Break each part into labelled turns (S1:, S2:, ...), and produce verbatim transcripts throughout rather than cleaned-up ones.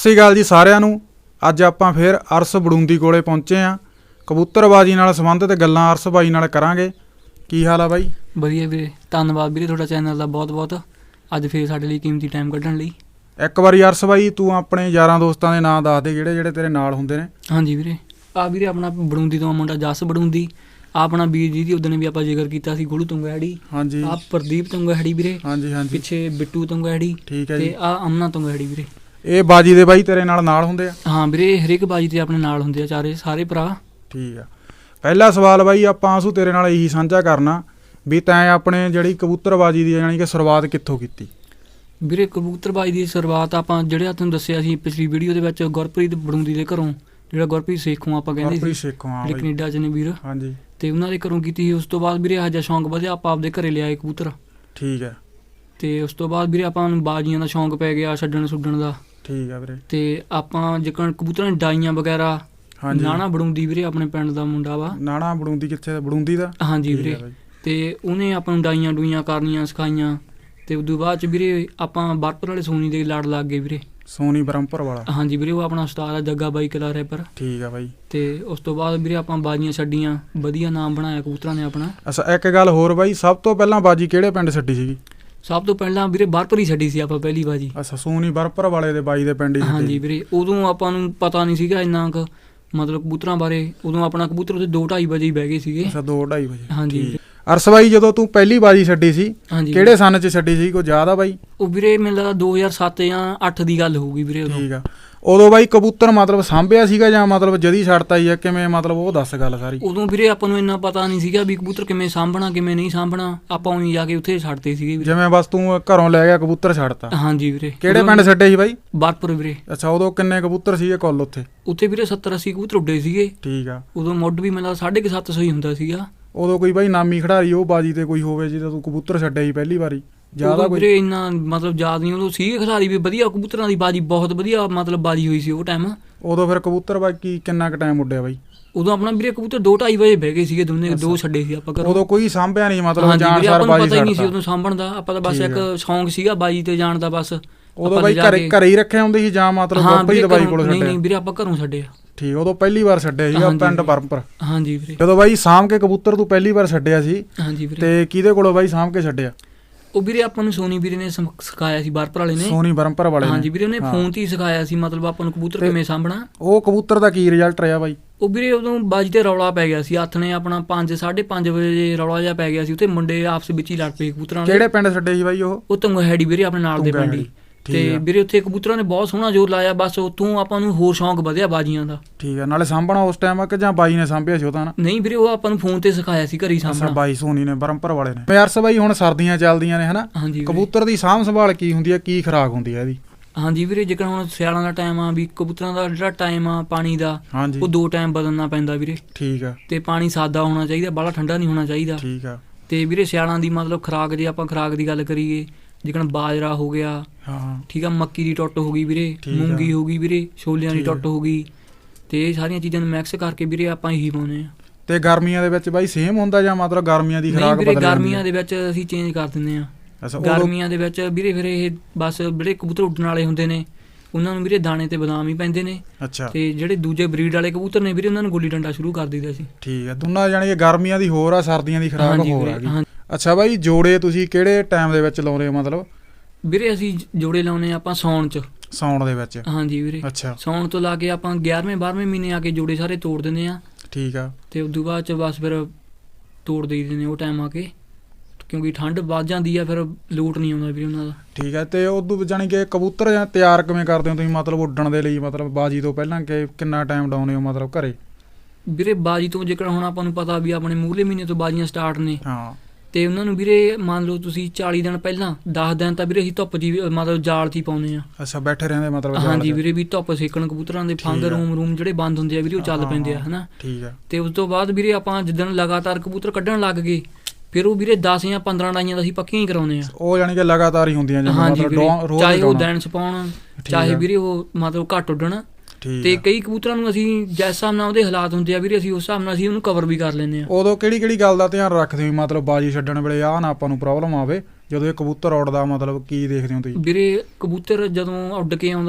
S1: ਸਤਿ ਸ਼੍ਰੀ ਅਕਾਲ ਜੀ ਸਾਰਿਆਂ ਨੂੰ। ਅੱਜ ਆਪਾਂ ਫਿਰ ਅਰਸ ਬੜੂੰਦੀ ਕੋਲੇ ਪਹੁੰਚੇ ਹਾਂ। ਕਬੂਤਰਬਾਜੀ ਨਾਲ ਸੰਬੰਧਿਤ ਗੱਲਾਂ ਅਰਸ ਬਾਈ ਨਾਲ ਕਰਾਂਗੇ। ਕੀ ਹਾਲ ਆ ਬਾਈ?
S2: ਵਧੀਆ ਵੀਰੇ, ਧੰਨਵਾਦ ਵੀਰੇ ਤੁਹਾਡਾ ਚੈਨਲ ਦਾ ਬਹੁਤ ਬਹੁਤ। ਅੱਜ ਫਿਰ ਸਾਡੇ ਲਈ ਕੀਮਤੀ ਟਾਈਮ ਕੱਢਣ ਲਈ।
S1: ਇੱਕ ਵਾਰੀ ਅਰਸ ਬਾਈ ਤੂੰ ਆਪਣੇ ਯਾਰਾਂ ਦੋਸਤਾਂ ਦੇ ਨਾਂ ਦੱਸ ਦੇ ਜਿਹੜੇ ਜਿਹੜੇ ਤੇਰੇ ਨਾਲ ਹੁੰਦੇ ਨੇ।
S2: ਹਾਂਜੀ ਵੀਰੇ, ਆ ਵੀਰੇ ਆਪਣਾ ਬੜੂੰਦੀ ਤੋਂ ਮੁੰਡਾ ਜਸ ਬੜੂੰਦੀ, ਆ ਆਪਣਾ ਵੀਰ ਜੀ ਦੀ ਉਦੋਂ ਵੀ ਆਪਾਂ ਜ਼ਿਕਰ ਕੀਤਾ ਸੀ ਗੋਲੂ ਤੁੰਗਾੜੀ। ਹਾਂਜੀ। ਆ ਪ੍ਰਦੀਪ ਤੁੰਗਾੜੀ ਵੀਰੇ। ਹਾਂਜੀ ਹਾਂਜੀ। ਪਿੱਛੇ ਬਿੱਟੂ ਤੁੰਗਾੜੀ। ਠੀਕ ਹੈ ਜੀ। ਤੇ ਆ ਅਮਨਾ ਤੁੰਗਾੜੀ ਵੀਰੇ। ਇਹ
S1: ਬਾਜੀ ਦੇ ਬਾਈ ਤੇਰੇ ਨਾਲ ਨਾਲ ਹੁੰਦੇ ਆ?
S2: ਹਾਂ ਵੀਰੇ, ਹਰੇਕ ਬਾਜੀ ਤੇ ਆਪਣੇ ਨਾਲ ਹੁੰਦੇ ਆ ਚਾਰੇ ਸਾਰੇ ਭਰਾ।
S1: ਠੀਕ ਆ। ਪਹਿਲਾ ਸਵਾਲ ਬਾਈ ਆਪਾਂ ਆਸੂ ਤੇਰੇ ਨਾਲ ਇਹੀ ਸਾਂਝਾ ਕਰਨਾ ਵੀ ਤੈਂ ਆਪਣੇ ਜਿਹੜੀ ਕਬੂਤਰਬਾਜੀ ਦੀ ਜਾਣੀ ਕਿ ਸ਼ੁਰੂਆਤ ਕਿੱਥੋਂ ਕੀਤੀ?
S2: ਵੀਰੇ ਕਬੂਤਰਬਾਜੀ ਦੀ ਸ਼ੁਰੂਆਤ ਆਪਾਂ ਜਿਹੜੇ ਤੁਹਾਨੂੰ ਦੱਸਿਆ ਸੀ ਪਿਛਲੀ ਵੀਡੀਓ ਦੇ ਵਿੱਚ, ਗੁਰਪ੍ਰੀਤ ਬੜੂੰਦੀ ਦੇ ਘਰੋਂ, ਜਿਹੜਾ ਗੁਰਪ੍ਰੀਤ ਸੇਖੋਂ ਆਪਾਂ ਕਹਿੰਦੇ ਸੀ, ਜਿਹੜੇ ਕੈਨੇਡਾ 'ਚ ਨੇ ਵੀਰ। ਹਾਂਜੀ। ਤੇ ਉਹਨਾਂ ਦੇ ਘਰੋਂ ਕੀਤੀ ਸੀ। ਉਸ ਤੋਂ ਬਾਅਦ ਵੀਰੇ ਇਹੋ ਜਿਹਾ ਸ਼ੌਂਕ ਵਧਿਆ, ਆਪਾਂ ਆਪਦੇ ਘਰੇ ਲਿਆਏ ਕਬੂਤਰ। ਠੀਕ ਹੈ। ਤੇ ਉਸ ਤੋਂ ਬਾਅਦ ਵੀਰੇ ਆਪਾਂ ਨੂੰ ਬਾਜੀਆਂ ਦਾ ਸ਼ੌਂਕ ਪੈ ਗਿਆ, ਛੱਡਣ ਛੁੱਡਣ ਦਾ। ਠੀਕ ਹੈ ਵੀਰੇ। ਤੇ ਆਪਾਂ ਜਿਕਣ ਕਬੂਤਰਾਂ ਦੀ ਡਾਈਆਂ ਵਗੈਰਾ। ਹਾਂਜੀ। ਨਾਣਾ ਬੜੂੰਦੀ ਵੀਰੇ ਆਪਣੇ ਪਿੰਡ ਦਾ ਮੁੰਡਾ ਵਾ। ਨਾਣਾ ਬੜੂੰਦੀ ਕਿੱਥੇ? ਬੜੂੰਦੀ ਦਾ। ਹਾਂਜੀ ਵੀਰੇ। ਤੇ ਉਹਨੇ ਆਪਾਂ ਨੂੰ ਡਾਈਆਂ ਡੂਈਆਂ ਕਰਨੀਆਂ ਸਿਖਾਈਆਂ। ਤੇ ਉਦੋਂ ਬਾਅਦ ਚ ਵੀਰੇ ਆਪਾਂ ਬਰਪਰ ਵਾਲੇ ਸੋਨੀ ਦੇ ਲੜ ਲੱਗ ਗਏ ਵੀਰੇ। ਸੋਨੀ ਬਰਮਪੁਰ ਵਾਲਾ? ਹਾਂਜੀ ਵੀਰੇ, ਉਹ ਆਪਣਾ ਉਸਤਾਦ ਆ ਜੱਗਾ ਬਾਈ ਕਲਾ ਰੈਪਰ। ਠੀਕ ਆ ਬਾਈ। ਤੇ ਉਸ ਤੋਂ ਬਾਅਦ ਵੀਰੇ ਆਪਾਂ ਬਾਜੀਆਂ ਛੱਡੀਆਂ, ਵਧੀਆ ਨਾਮ ਬਣਾਇਆ ਕਬੂਤਰਾਂ ਨੇ ਆਪਣਾ। ਅੱਛਾ, ਇੱਕ ਗੱਲ ਹੋਰ ਬਾਈ, ਸਭ ਤੋਂ ਪਹਿਲਾਂ ਬਾਜੀ ਕਿਹੜੇ ਪਿੰਡ ਛੱਡੀ ਸੀਗੀ? ਸਭ ਤੋਂ ਪਹਿਲਾਂ ਵੀਰੇ ਬਰਪਰ ਹੀ ਛੱਡੀ ਸੀ ਆਪਾਂ ਪਹਿਲੀ ਬਾਜੀ। ਅੱਛਾ, ਸੋਨੀ ਬਰਪਰ ਵਾਲੇ ਦੇ ਬਾਈ ਦੇ ਪਿੰਡ ਹੀ? ਹਾਂਜੀ ਵੀਰੇ। ਉਦੋਂ ਆਪਾਂ ਨੂੰ ਪਤਾ ਨਹੀਂ ਸੀਗਾ ਇੰਨਾ ਕੁ ਮਤਲਬ ਕਬੂਤਰਾਂ ਬਾਰੇ। ਉਦੋਂ ਆਪਣਾ ਕਬੂਤਰ ਉੱਥੇ ਦੋ ਢਾਈ ਵਜੇ ਹੀ ਬਹਿ ਗਏ ਸੀਗੇ। ਅੱਛਾ, ਦੋ ਢਾਈ ਵਜੇ। ਹਾਂਜੀ। ਅਰਸ ਬਾਈ, ਜਦੋਂ ਤੂੰ ਪਹਿਲੀ ਬਾਜੀ ਛੱਡੀ ਸੀ ਕਿਹੜੇ ਸੰਨ ਚ ਛੱਡੀ ਸੀ, ਕੋਈ ਯਾਦ ਆ ਬਾਈ? ਉਹ ਵੀਰੇ ਮੈਨੂੰ ਲੱਗਦਾ ਦੋ ਹਜ਼ਾਰ ਸੱਤ ਜਾਂ ਅੱਠ ਦੀ ਗੱਲ ਹੋਊਗੀ ਵੀਰੇ ਉਦੋਂ। ਠੀਕ ਆ। ਉਦੋਂ ਬਾਈ ਕਬੂਤਰ ਮਤਲਬ ਸਾਂਭਿਆ ਸੀਗਾ ਜਾਂ ਮਤਲਬ ਜਦੀ ਛੱਡਤਾ ਹੀ ਆ, ਕਿਵੇਂ ਮਤਲਬ ਉਹ ਦੱਸ ਗੱਲ ਸਾਰੀ। ਉਦੋਂ ਵੀਰੇ ਆਪਾਂ ਨੂੰ ਇੰਨਾ ਪਤਾ ਨਹੀਂ ਸੀਗਾ ਵੀ ਕਬੂਤਰ ਕਿਵੇਂ ਸਾਂਭਣਾ ਕਿਵੇਂ ਨਹੀਂ ਸਾਂਭਣਾ। ਆਪਾਂ ਉਹਨੀ ਜਾ ਕੇ ਉੱਥੇ ਛੱਡਦੇ ਸੀਗੇ। ਜਿਵੇਂ ਬਸ ਤੂੰ ਘਰੋਂ ਲੈ ਗਿਆ ਕਬੂਤਰ ਛੱਡਤਾ? ਹਾਂਜੀ ਵੀਰੇ। ਕਿਹੜੇ ਪਿੰਡ ਛੱਡੇ ਸੀ ਬਾਈ? ਬਰਪੁਰ ਵੀਰੇ। ਅੱਛਾ, ਉਦੋਂ ਕਿੰਨੇ ਕਬੂਤਰ ਸੀਗੇ ਕੁੱਲ ਉੱਥੇ? ਉੱਥੇ ਵੀਰੇ ਸੱਤਰ ਅੱਸੀ ਕਬੂਤਰ ਉੱਡੇ ਸੀਗੇ। ਠੀਕ ਆ। ਉਦੋਂ ਮੁੱਢ ਵੀ ਮੈਨੂੰ ਸਾਢੇ ਕੁ ਸੱਤ ਸੌ ਹੀ ਹੁੰਦਾ ਸੀਗਾ। ਉਦੋਂ ਕੋਈ ਬਾਈ ਨਾਮੀ ਖਿਡਾਰੀ ਉਹ ਬਾਜੀ ਤੇ ਕੋਈ ਹੋਵੇ ਜਿਹਦਾ ਤੂੰ ਕਬੂਤਰ ਛੱਡਿਆ ਸੀ ਪਹਿਲੀ ਵਾਰੀ? ਜ਼ਿਆਦਾ ਵੀਰੇ ਇੰਨਾ ਮਤਲਬ ਯਾਦ ਨਹੀਂ। ਉਦੋਂ ਸੀਗੇ ਖਿਡਾਰੀ ਵੀ ਵਧੀਆ, ਕਬੂਤਰਾਂ ਦੀ ਬਾਜੀ ਬਹੁਤ ਵਧੀਆ ਮਤਲਬ ਬਾਜੀ ਹੋਈ ਸੀ ਉਹ ਟਾਈਮ। ਉਦੋਂ ਫਿਰ ਕਬੂਤਰ ਬਾਕੀ ਕਿੰਨਾ ਕੁ ਟਾਈਮ ਉੱਡਿਆ ਬਾਈ? ਉਦੋਂ ਆਪਣਾ ਵੀਰੇ ਕਬੂਤਰ ਦੋ ਢਾਈ ਵਜੇ ਬਹਿ ਗਏ ਸੀਗੇ ਦੋਨੇ, ਦੋ ਛੱਡੇ ਸੀ ਆਪਾਂ। ਉਦੋਂ ਕੋਈ ਸਾਂਭਿਆ ਨਹੀਂ ਮਤਲਬ? ਜਾਣ ਸਾਰ ਬਾਜੀ ਪਤਾ ਹੀ ਨਹੀਂ ਸੀ ਉਦੋਂ ਸਾਂਭਣ ਦਾ। ਆਪਾਂ ਤਾਂ ਬਸ ਇੱਕ ਸ਼ੌਂਕ ਸੀਗਾ ਬਾਜੀ ਤੇ ਜਾਣ ਦਾ ਬਸ। ਉਦੋਂ ਬਾਈ ਘਰੇ ਘਰੇ ਹੀ ਰੱਖਿਆ ਹੁੰਦੇ ਸੀ ਜਾਂ ਮਤਲਬ ਗੁਰਪ੍ਰੀਤ ਬਾਈ ਕੋਲ ਛੱਡਿਆ? ਨਹੀਂ ਨਹੀਂ ਵੀਰੇ, ਆਪਾਂ ਘਰੋਂ ਛੱਡਿਆ। ਠੀਕ। ਉਦੋਂ ਪਹਿਲੀ ਵਾਰ ਛੱਡਿਆ ਸੀਗਾ ਪਿੰਡ ਬਰਮਪੁਰ? ਹਾਂਜੀ ਵੀਰੇ। ਜਦੋਂ ਬਾਈ ਸਾਂਭ ਕੇ ਕਬੂਤਰ ਤੂੰ ਪਹਿਲੀ ਵਾਰ ਛੱਡਿਆ ਸੀ? ਹਾਂਜੀ ਵੀਰੇ। ਤੇ ਕਿਹਦੇ ਕੋਲੋਂ ਬਾਈ ਸਾਂਭ ਕੇ ਛੱਡਿਆ? ਉਹ ਵੀਰੇ ਆਪਾਂ ਨੂੰ ਸੋਨੀ ਵੀਰੇ ਨੇ ਸਿਖਾਇਆ ਸੀ, ਬਰਪੁਰ ਵਾਲੇ ਨੇ। ਸੋਨੀ ਬਰਮਪੁਰ ਵਾਲੇ? ਹਾਂਜੀ ਵੀਰੇ, ਉਹਨੇ ਫੋਨ ਤੇ ਹੀ ਸਿਖਾਇਆ ਸੀ ਮਤਲਬ ਆਪਾਂ ਨੂੰ ਕਬੂਤਰ ਕਿਵੇਂ ਸਾਂਭਣਾ। ਉਹ ਕਬੂਤਰ ਦਾ ਕੀ ਰਿਜ਼ਲਟ ਰਿਹਾ ਬਾਈ? ਉਹ ਵੀਰੇ ਉਦੋਂ ਬਾਜੀ ਤੇ ਰੌਲਾ ਪੈ ਗਿਆ ਸੀ ਹੱਥ ਨੇ ਆਪਣਾ ਪੰਜ ਸਾਢੇ ਪੰਜ ਵਜੇ ਰੌਲਾ ਜਿਹਾ ਪੈ ਗਿਆ ਸੀ ਉੱਥੇ, ਮੁੰਡੇ ਆਪਸ ਵਿੱਚ ਹੀ ਲੜ ਪਏ ਕਬੂਤਰਾਂ। ਕਿਹੜੇ ਪਿੰਡ ਛੱਡੇ ਸੀ ਬਾਈ ਉਹ? ਉਹ ਤੁੰਗਾੜੀ ਵੀਰੇ, ਆਪਣੇ ਨਾਲ ਦੇ ਪਿੰਡ ਹੀ। ਤੇ ਵੀਰੇ ਉੱਥੇ ਕਬੂਤਰਾਂ ਨੇ ਬਹੁਤ ਸੋਹਣਾ ਜ਼ੋਰ ਲਾਇਆ, ਬਸ ਉੱਥੋਂ ਆਪਾਂ ਨੂੰ ਹੋਰ ਸ਼ੌਂਕ ਵਧਿਆ ਬਾਜੀਆਂ ਦਾ। ਠੀਕ ਆ। ਨਾਲੇ ਸਾਂਭਣਾ ਉਸ ਟਾਈਮ ਆ ਕਿ ਜਾਂ ਬਾਈ ਨੇ ਸਾਂਭਿਆ ਸੀ ਉਹ ਤਾਂ? ਨਹੀਂ ਵੀਰੇ, ਉਹ ਆਪਾਂ ਨੂੰ ਫੋਨ ਤੇ ਸਿਖਾਇਆ ਸੀ, ਘਰੀ ਸਾਂਭਣਾ। ਬਾਈ ਸੋਨੀ ਨੇ ਬਰਮਪੁਰ ਵਾਲੇ ਨੇ। ਅਰਸ ਬਾਈ, ਹੁਣ ਸਰਦੀਆਂ ਚੱਲਦੀਆਂ ਨੇ ਹਨਾ? ਹਾਂਜੀ। ਕਬੂਤਰ ਦੀ ਸਾਂਭ ਸੰਭਾਲ ਕੀ ਹੁੰਦੀ ਹੈ, ਕੀ ਖੁਰਾਕ ਹੁੰਦੀ ਹੈ ਇਹਦੀ? ਹਾਂਜੀ ਵੀਰੇ, ਜੇਕਰ ਹੁਣ ਸਿਆਲਾਂ ਦਾ ਟਾਈਮ ਆ ਵੀ ਕਬੂਤਰਾਂ ਦਾ ਜਿਹੜਾ ਟਾਈਮ ਆ ਪਾਣੀ ਦਾ, ਉਹ ਦੋ ਟਾਈਮ ਬਦਲਣਾ ਪੈਂਦਾ ਵੀਰੇ। ਠੀਕ ਆ। ਤੇ ਪਾਣੀ ਸਾਦਾ ਹੋਣਾ ਚਾਹੀਦਾ, ਬਾਹਲਾ ਠੰਡਾ ਨਹੀਂ ਹੋਣਾ ਚਾਹੀਦਾ। ਠੀਕ ਆ। ਤੇ ਵੀਰੇ ਸਿਆਲਾਂ ਦੀ ਮਤਲਬ ਖੁਰਾਕ, ਜੇ ਆਪਾਂ ਖੁਰਾਕ ਦੀ ਗੱਲ ਕਰੀਏ, ਜਿਕਣ ਬਾਜਰਾ ਹੋ ਗਿਆ। ਹਾਂ। ਠੀਕ ਆ। ਮੱਕੀ ਦੀ ਟੁੱਟ ਹੋ ਗਈ ਵੀਰੇ, ਮੂੰਗੀ ਹੋ ਗਈ ਵੀਰੇ, ਛੋਲਿਆਂ ਦੀ ਟੁੱਟ ਹੋ ਗਈ। ਤੇ ਇਹ ਸਾਰੀਆਂ ਚੀਜ਼ਾਂ ਨੂੰ ਮਿਕਸ ਕਰਕੇ ਵੀਰੇ ਆਪਾਂ ਇਹੀ ਪਾਉਂਦੇ ਆ। ਤੇ ਗਰਮੀਆਂ ਦੇ ਵਿੱਚ ਬਾਈ ਸੇਮ ਹੁੰਦਾ ਜਾਂ ਮਤਲਬ ਗਰਮੀਆਂ ਦੀ ਖੁਰਾਕ ਬਦਲ ਜਾਂਦੀ ਹੈ? ਗਰਮੀਆਂ ਦੇ ਵਿੱਚ ਅਸੀਂ ਚੇਂਜ ਕਰ ਦਿੰਦੇ ਆ। ਗਰਮੀਆਂ ਦੇ ਵਿੱਚ ਵੀਰੇ ਫਿਰ ਇਹ ਬਸ ਜਿਹੜੇ ਕਬੂਤਰ ਉੱਡਣ ਵਾਲੇ ਹੁੰਦੇ ਨੇ ਉਹਨਾਂ ਨੂੰ ਵੀਰੇ ਦਾਣੇ ਤੇ ਬਦਾਮ ਹੀ ਪੈਂਦੇ ਨੇ। ਅੱਛਾ। ਤੇ ਜਿਹੜੇ ਦੂਜੇ ਬਰੀਡ ਵਾਲੇ ਕਬੂਤਰ ਨੇ ਵੀਰੇ ਉਹਨਾਂ ਨੂੰ ਗੁੱਲੀ ਡੰਡਾ ਸ਼ੁਰੂ ਕਰ ਦਈਦਾ ਸੀ। ਠੀਕ ਆ। ਦੋਨਾਂ ਜਾਣੀ ਕਿ ਗਰਮੀਆਂ ਦੀ ਹੋਰ ਆ, ਸਰਦੀਆਂ ਦੀ ਖੁਰਾਕ ਹੋਰ ਆ ਗਈ। ਅੱਛਾ ਬਾਈ, ਜੋੜੇ ਤੁਸੀਂ ਕਿਹੜੇ ਟਾਈਮ ਦੇ ਵਿੱਚ ਲਾਉਂਦੇ ਹੋ ਮਤਲਬ? ਵੀਰੇ ਅਸੀਂ ਜੋੜੇ ਲਾਉਂਦੇ ਆਪਾਂ ਸਾਉਣ ਚ। ਸਾਉਣ ਦੇ ਵਿੱਚ? ਹਾਂਜੀ ਵੀਰੇ। ਅੱਛਾ। ਸਾਉਣ ਤੋਂ ਲਾ ਕੇ ਆਪਾਂ ਗਿਆਰਵੇਂ ਬਾਰ੍ਹਵੇਂ ਮਹੀਨੇ ਆ ਕੇ ਜੋੜੇ ਸਾਰੇ ਤੋੜ ਦਿੰਦੇ ਆ। ਠੀਕ ਆ। ਤੇ ਉਦੋਂ ਬਾਅਦ ਚ ਬਸ ਫਿਰ ਤੋੜ ਦੇਈਦੇ ਨੇ ਉਹ ਟਾਈਮ ਆ ਕੇ, ਕਿਉਂਕਿ ਠੰਡ ਵੱਧ ਜਾਂਦੀ ਆ, ਫਿਰ ਲੋਟ ਨਹੀਂ ਆਉਂਦਾ ਵੀਰੇ ਉਹਨਾਂ ਦਾ। ਠੀਕ ਹੈ। ਤੇ ਉਦੋਂ ਜਾਣੀ ਕਿ ਕਬੂਤਰ ਜਾਂ ਤਿਆਰ ਕਿਵੇਂ ਕਰਦੇ ਹੋ ਤੁਸੀਂ ਮਤਲਬ ਉੱਡਣ ਦੇ ਲਈ, ਮਤਲਬ ਬਾਜੀ ਤੋਂ ਪਹਿਲਾਂ ਕਿ ਕਿੰਨਾ ਟਾਈਮ ਡਾਉਂਦੇ ਹੋ ਮਤਲਬ ਘਰੇ? ਵੀਰੇ ਬਾਜੀ ਤੋਂ ਜੇਕਰ ਹੁਣ ਆਪਾਂ ਨੂੰ ਪਤਾ ਵੀ ਆਪਣੇ ਮੂਹਰਲੇ ਮਹੀਨੇ ਤੋਂ ਬਾਜੀਆਂ ਸਟਾਰਟ ਨੇ। ਹਾਂ। ਤੇ ਉਹਨਾਂ ਨੂੰ ਵੀਰੇ ਮੰਨ ਲਓ ਤੁਸੀਂ ਚਾਲੀ ਦਿਨ ਪਹਿਲਾਂ ਦਸ ਦਿਨ ਤਾਂ ਵੀਰੇ ਅਸੀਂ ਧੁੱਪ ਜੀ ਮਤਲਬ ਜਾਲ 'ਚ ਹੀ ਪਾਉਂਦੇ ਆ। ਅੱਛਾ, ਬੈਠੇ ਰਹਿੰਦੇ ਮਤਲਬ? ਹਾਂਜੀ ਵੀਰੇ, ਵੀ ਧੁੱਪ ਸੇਕਣ ਕਬੂਤਰਾਂ ਦੇ ਫੰਗ ਰੂਮ ਰੂਮ ਜਿਹੜੇ ਬੰਦ ਹੁੰਦੇ ਆ ਵੀਰੇ ਉਹ ਚੱਲ ਪੈਂਦੇ ਆ ਹਨਾ। ਠੀਕ ਆ। ਤੇ ਉਸ ਤੋਂ ਬਾਅਦ ਵੀਰੇ ਆਪਾਂ ਜਿੱਦਣ ਲਗਾਤਾਰ ਕਬੂਤਰ ਕੱਢਣ ਲੱਗ ਗਏ ਫਿਰ ਉਹ ਵੀਰੇ ਦਸ ਜਾਂ ਪੰਦਰਾਂ ਡਾਈਆਂ ਦਾ ਅਸੀਂ ਪੱਕੀਆਂ ਹੀ ਕਰਾਉਂਦੇ ਆ। ਉਹ ਜਾਣੀ ਕਿ ਲਗਾਤਾਰ ਹੀ ਹੁੰਦੀਆਂ? ਹਾਂਜੀ ਵੀਰੇ, ਚਾਹੇ ਉਹ ਦਿਨ ਚ ਪਾਉਣ ਚਾਹੇ ਵੀਰੇ ਉਹ ਮਤਲਬ ਘੱਟ ਉੱਡਣ। ਤੇ ਕਈ ਕਬੂਤਰਾਂ ਨੂੰ ਅਸੀਂ ਜਿਸ ਹਿਸਾਬ ਨਾਲ ਉਹਦੇ ਹਾਲਾਤ ਹੁੰਦੇ ਆ ਵੀਰੇ, ਅਸੀਂ ਉਸ ਹਿਸਾਬ ਨਾਲ ਅਸੀਂ ਉਹਨੂੰ ਕਵਰ ਵੀ ਕਰ ਲੈਂਦੇ ਆ। ਉਦੋਂ ਕਿਹੜੀ ਕਿਹੜੀ ਗੱਲ ਦਾ ਧਿਆਨ ਰੱਖਦੇ ਹੋ ਮਤਲਬ ਬਾਜੀ ਛੱਡਣ ਵੇਲੇ ਆਹ ਨਾ ਆਪਾਂ ਨੂੰ ਪ੍ਰੋਬਲਮ ਆਵੇ ਜਦੋਂ ਇਹ ਕਬੂਤਰ ਉੱਡਦਾ, ਮਤਲਬ ਕੀ ਦੇਖਦੇ ਹੋ ਤੁਸੀਂ? ਵੀਰੇ ਕਬੂਤਰ ਜਦੋਂ ਉੱਡ ਕੇ ਆਉਂਦਾ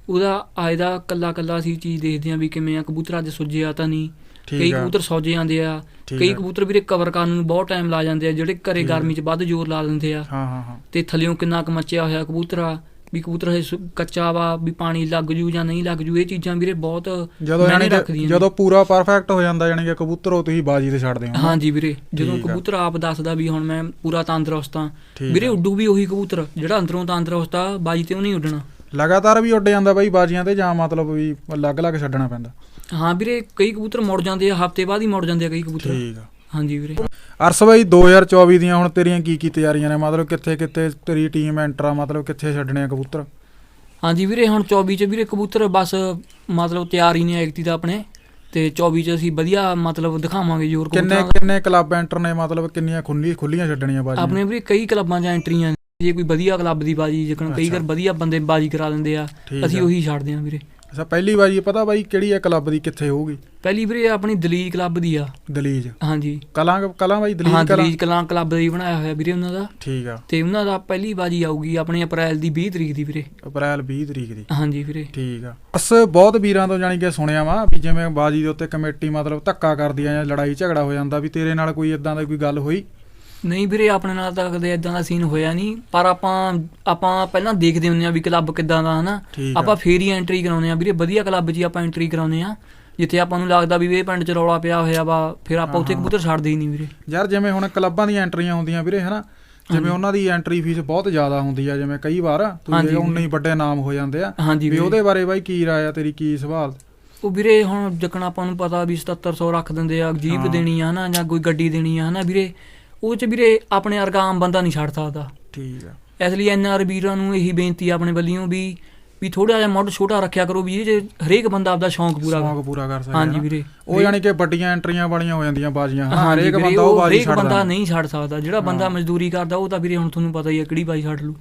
S2: ਉਹਦਾ ਆਏ ਦਾ ਕੱਲਾ ਕੱਲਾ ਅਸੀਂ ਚੀਜ਼ ਦੇਖਦੇ ਹਾਂ ਵੀ ਕਿਵੇਂ ਆ ਕਬੂਤਰ ਅੱਜ ਸੁੱਜਿਆ ਤਾਂ ਨਹੀਂ। ਕਈ ਕਬੂਤਰ ਸੌਜ ਜਾਂਦੇ ਆ, ਕਈ ਕਬੂਤਰ ਵੀਰੇ ਕਵਰ ਕਰਨ ਨੂੰ ਬਹੁਤ ਟਾਈਮ ਲਾ ਜਾਂਦੇ ਆ, ਜਿਹੜੇ ਘਰੇ ਗਰਮੀ 'ਚ ਵੱਧ ਜ਼ੋਰ ਲਾ ਦਿੰਦੇ ਆ। ਤੇ ਥੱਲਿਓਂ ਕਿੰਨਾ ਕੁ ਮੱਚਿਆ ਹੋਇਆ ਕਬੂਤਰ ਆ, ਵੀ ਕਬੂਤਰ ਹਜੇ ਕੱਚਾ ਵਾ, ਵੀ ਪਾਣੀ ਲੱਗ ਜੂ ਜਾਂ ਨਹੀਂ ਲੱਗ ਜੂ, ਇਹ ਚੀਜ਼ਾਂ ਵੀਰੇ ਬਹੁਤ ਮਾਇਨੇ ਰੱਖਦੀਆਂ।
S1: ਜਦੋਂ ਪੂਰਾ ਪਰਫੈਕਟ ਹੋ ਜਾਂਦਾ ਯਾਨੀ ਕਿ ਕਬੂਤਰ ਉਹ ਤੁਸੀਂ ਬਾਜੀ ਤੇ ਛੱਡਦੇ ਹੋ? ਹਾਂਜੀ
S2: ਵੀਰੇ, ਜਦੋਂ ਕਬੂਤਰ ਆਪ ਦੱਸਦਾ ਵੀ ਹੁਣ ਮੈਂ ਪੂਰਾ ਤੰਦਰੁਸਤ ਆ ਵੀਰੇ, ਉੱਡੂ ਵੀ ਉਹੀ ਕਬੂਤਰ ਜਿਹੜਾ ਅੰਦਰੋਂ ਤੰਦਰੁਸਤ ਆ, ਬਾਜੀ ਤੇ ਉਹ ਨਹੀਂ ਉੱਡਣਾ।
S1: ਲਗਾਤਾਰ ਵੀ ਉੱਡ ਜਾਂਦਾ ਬਾਈ ਬਾਜੀਆਂ ਤੇ ਜਾਂ ਮਤਲਬ ਵੀ ਅਲੱਗ ਅਲੱਗ ਛੱਡਣਾ ਪੈਂਦਾ?
S2: ਹਾਂ ਵੀਰੇ, ਕਈ ਕਬੂਤਰ ਮੁੜ ਜਾਂਦੇ ਆ, ਹਫ਼ਤੇ ਬਾਅਦ ਹੀ ਮੁੜ ਜਾਂਦੇ ਆ ਕਈ ਕਬੂਤਰ।
S1: ਠੀਕ ਆ।
S2: ਹਾਂਜੀ ਵੀਰੇ।
S1: ਅਰਸ ਬਾਈ ਦੋ ਹਜ਼ਾਰ ਚੌਵੀ ਦੀਆਂ ਹੁਣ ਤੇਰੀਆਂ ਕੀ ਕੀ ਤਿਆਰੀਆਂ ਨੇ, ਮਤਲਬ ਕਿੱਥੇ ਕਿੱਥੇ ਤੇਰੀ ਟੀਮ ਐਂਟਰ ਆ, ਮਤਲਬ ਕਿੱਥੇ ਛੱਡਣੇ ਆ ਕਬੂਤਰ?
S2: ਹਾਂਜੀ ਵੀਰੇ, ਹੁਣ ਚੌਵੀ 'ਚ ਵੀਰੇ ਕਬੂਤਰ ਬਸ ਮਤਲਬ ਤਿਆਰ ਹੀ ਨੇ ਐਗਤੀ ਦਾ ਆਪਣੇ, ਤੇ ਚੌਵੀ 'ਚ ਅਸੀਂ ਵਧੀਆ ਮਤਲਬ ਦਿਖਾਵਾਂਗੇ ਜ਼ੋਰ।
S1: ਕਿੰਨੇ ਕਿੰਨੇ ਕਲੱਬ ਐਂਟਰ ਨੇ, ਮਤਲਬ ਕਿੰਨੀਆਂ ਖੁੱਲੀ ਖੁੱਲੀਆਂ ਛੱਡਣੀਆਂ ਬਾਜੀ?
S2: ਆਪਣੇ ਵੀਰੇ ਕਈ ਕਲੱਬਾਂ 'ਚ ਐਂਟਰੀਆਂ, ਜੇ ਕੋਈ ਵਧੀਆ ਕਲੱਬ ਦੀ ਬਾਜੀ ਜਿਕਣ ਕਈ ਵਾਰ ਵਧੀਆ ਬੰਦੇ ਬਾਜੀ ਕਰਾ ਦਿੰਦੇ ਆ, ਅਸੀਂ ਉਹੀ ਛੱਡਦੇ ਹਾਂ ਵੀਰੇ।
S1: ਅੱਛਾ, ਪਹਿਲੀ ਬਾਜੀ ਪਤਾ ਬਾਈ ਕਿਹੜੀ ਆ ਕਲੱਬ ਦੀ, ਕਿੱਥੇ ਹੋਊਗੀ?
S2: ਪਹਿਲੀ ਵੀਰੇ ਆਪਣੀ ਦਲੀਜ ਕਲੱਬ ਦੀ ਆ।
S1: ਦਲੀਜ?
S2: ਹਾਂਜੀ।
S1: ਕਲਾਂ ਕਲਾਂ ਬਾਈ ਦਲੀਜ
S2: ਕਲਾਂ? ਦਲੀਜ ਕਲਾਂ ਕਲੱਬ ਦਾ ਹੀ ਬਣਾਇਆ ਹੋਇਆ ਵੀਰੇ ਉਹਨਾਂ ਦਾ।
S1: ਠੀਕ ਆ।
S2: ਤੇ ਉਹਨਾਂ ਦਾ ਪਹਿਲੀ ਬਾਜੀ ਆਊਗੀ ਆਪਣੇ ਅਪ੍ਰੈਲ ਦੀ ਵੀਹ ਤਰੀਕ ਦੀ ਵੀਰੇ।
S1: ਅਪ੍ਰੈਲ ਵੀਹ ਤਰੀਕ ਦੀ?
S2: ਹਾਂਜੀ ਵੀਰੇ।
S1: ਠੀਕ ਆ। ਬਸ ਬਹੁਤ ਵੀਰਾਂ ਤੋਂ ਜਾਣੀ ਕਿ ਸੁਣਿਆ ਵਾ ਵੀ ਜਿਵੇਂ ਬਾਜੀ ਦੇ ਉੱਤੇ ਕਮੇਟੀ ਮਤਲਬ ਧੱਕਾ ਕਰਦੀ ਆ ਜਾਂ ਲੜਾਈ ਝਗੜਾ ਹੋ ਜਾਂਦਾ, ਵੀ ਤੇਰੇ ਨਾਲ ਕੋਈ ਏਦਾਂ ਦੀ ਕੋਈ ਗੱਲ ਹੋਈ?
S2: ਨਹੀਂ ਵੀਰੇ, ਆਪਣੇ ਨਾਲ ਤਾਂ ਕਦੇ ਏਦਾਂ ਦਾ ਸੀਨ ਹੋਇਆ ਨਹੀਂ, ਪਰ ਆਪਾਂ ਆਪਾਂ ਪਹਿਲਾਂ ਦੇਖਦੇ ਹੁੰਦੇ ਆ ਵੀ ਕਲੱਬ ਕਿੱਦਾਂ ਦਾ, ਹਨਾ। ਆਪਾਂ ਫੇਰ ਹੀ ਐਂਟਰੀ ਕਰਾਉਂਦੇ ਆ ਵੀਰੇ, ਵਧੀਆ ਕਲੱਬ 'ਚ ਆਪਾਂ ਐਂਟਰੀ ਕਰਾਉਂਦੇ ਆ, ਜਿੱਥੇ ਆਪਾਂ ਨੂੰ ਲੱਗਦਾ ਵੀ ਇਹ ਪਿੰਡ 'ਚ ਰੌਲਾ ਪਿਆ ਹੋਇਆ ਵਾ, ਫਿਰ ਆਪਾਂ ਉੱਥੇ ਕਬੂਤਰ ਛੱਡਦੇ ਹੀ ਨਹੀਂ ਵੀਰੇ। ਯਾਰ ਜਿਵੇਂ ਹੁਣ ਕਲੱਬਾਂ ਦੀਆਂ ਐਂਟਰੀਆਂ ਹੁੰਦੀਆਂ ਵੀਰੇ, ਹਨਾ, ਜਿਵੇਂ ਉਹਨਾਂ ਦੀ ਐਂਟਰੀ ਫੀਸ ਬਹੁਤ ਜ਼ਿਆਦਾ ਹੁੰਦੀ ਆ, ਜਿਵੇਂ ਕਈ ਵਾਰ ਉਨੇ ਹੀ ਵੱਡੇ ਨਾਮ ਹੋ ਜਾਂਦੇ ਆ, ਵੀ ਉਹਦੇ ਬਾਰੇ ਬਾਈ ਕੀ ਰਾਏ ਆ ਤੇਰੀ, ਕੀ ਸਵਾਲ? ਉਹ ਵੀਰੇ ਹੁਣ ਜਿਕਣ ਆਪਾਂ ਨੂੰ ਪਤਾ ਵੀ ਸਤੱਤਰ ਸੌ ਰੱਖ ਦਿੰਦੇ ਆ, ਜੀਪ ਦੇਣੀ ਆ ਹਨਾ, ਜਾਂ ਕੋਈ ਗੱਡੀ ਦੇਣੀ ਆ ਹਨਾ ਵੀਰੇ, ਉਹ 'ਚ ਵੀਰੇ ਆਪਣੇ ਵਰਗਾ ਆਮ ਬੰਦਾ ਨਹੀਂ ਛੱਡ ਸਕਦਾ। ਠੀਕ ਆ। ਇਸ ਲਈ ਐਨ ਆਰ ਵੀਰਾਂ ਨੂੰ ਇਹੀ ਬੇਨਤੀ ਆ ਆਪਣੇ ਵੱਲੋਂ ਵੀ ਵੀ ਥੋੜਾ ਜਿਹਾ ਮੁੱਢ ਛੋਟਾ ਰੱਖਿਆ ਕਰੋ, ਵੀ ਇਹ 'ਚ ਹਰੇਕ ਬੰਦਾ ਆਪਦਾ ਸ਼ੌਂਕ ਪੂਰਾ ਸ਼ੌਂਕ ਪੂਰਾ ਕਰ ਸਕਦਾ। ਹਾਂਜੀ ਵੀਰੇ, ਉਹ ਯਾਨੀ ਕਿ ਵੱਡੀਆਂ ਐਂਟਰੀਆਂ ਵਾਲੀਆਂ ਹੋ ਜਾਂਦੀਆਂ ਬਾਜੀਆਂ, ਹਰੇਕ ਬੰਦਾ ਉਹ ਬਾਜੀ ਛੱਡਦਾ, ਬੰਦਾ ਨਹੀਂ ਛੱਡ ਸਕਦਾ। ਜਿਹੜਾ ਬੰਦਾ ਮਜ਼ਦੂਰੀ ਕਰਦਾ ਉਹ ਤਾਂ ਵੀਰੇ ਹੁਣ ਤੁਹਾਨੂੰ ਪਤਾ ਹੀ ਆ ਕਿਹੜੀ ਬਾਜੀ ਛੱਡ ਲੂ।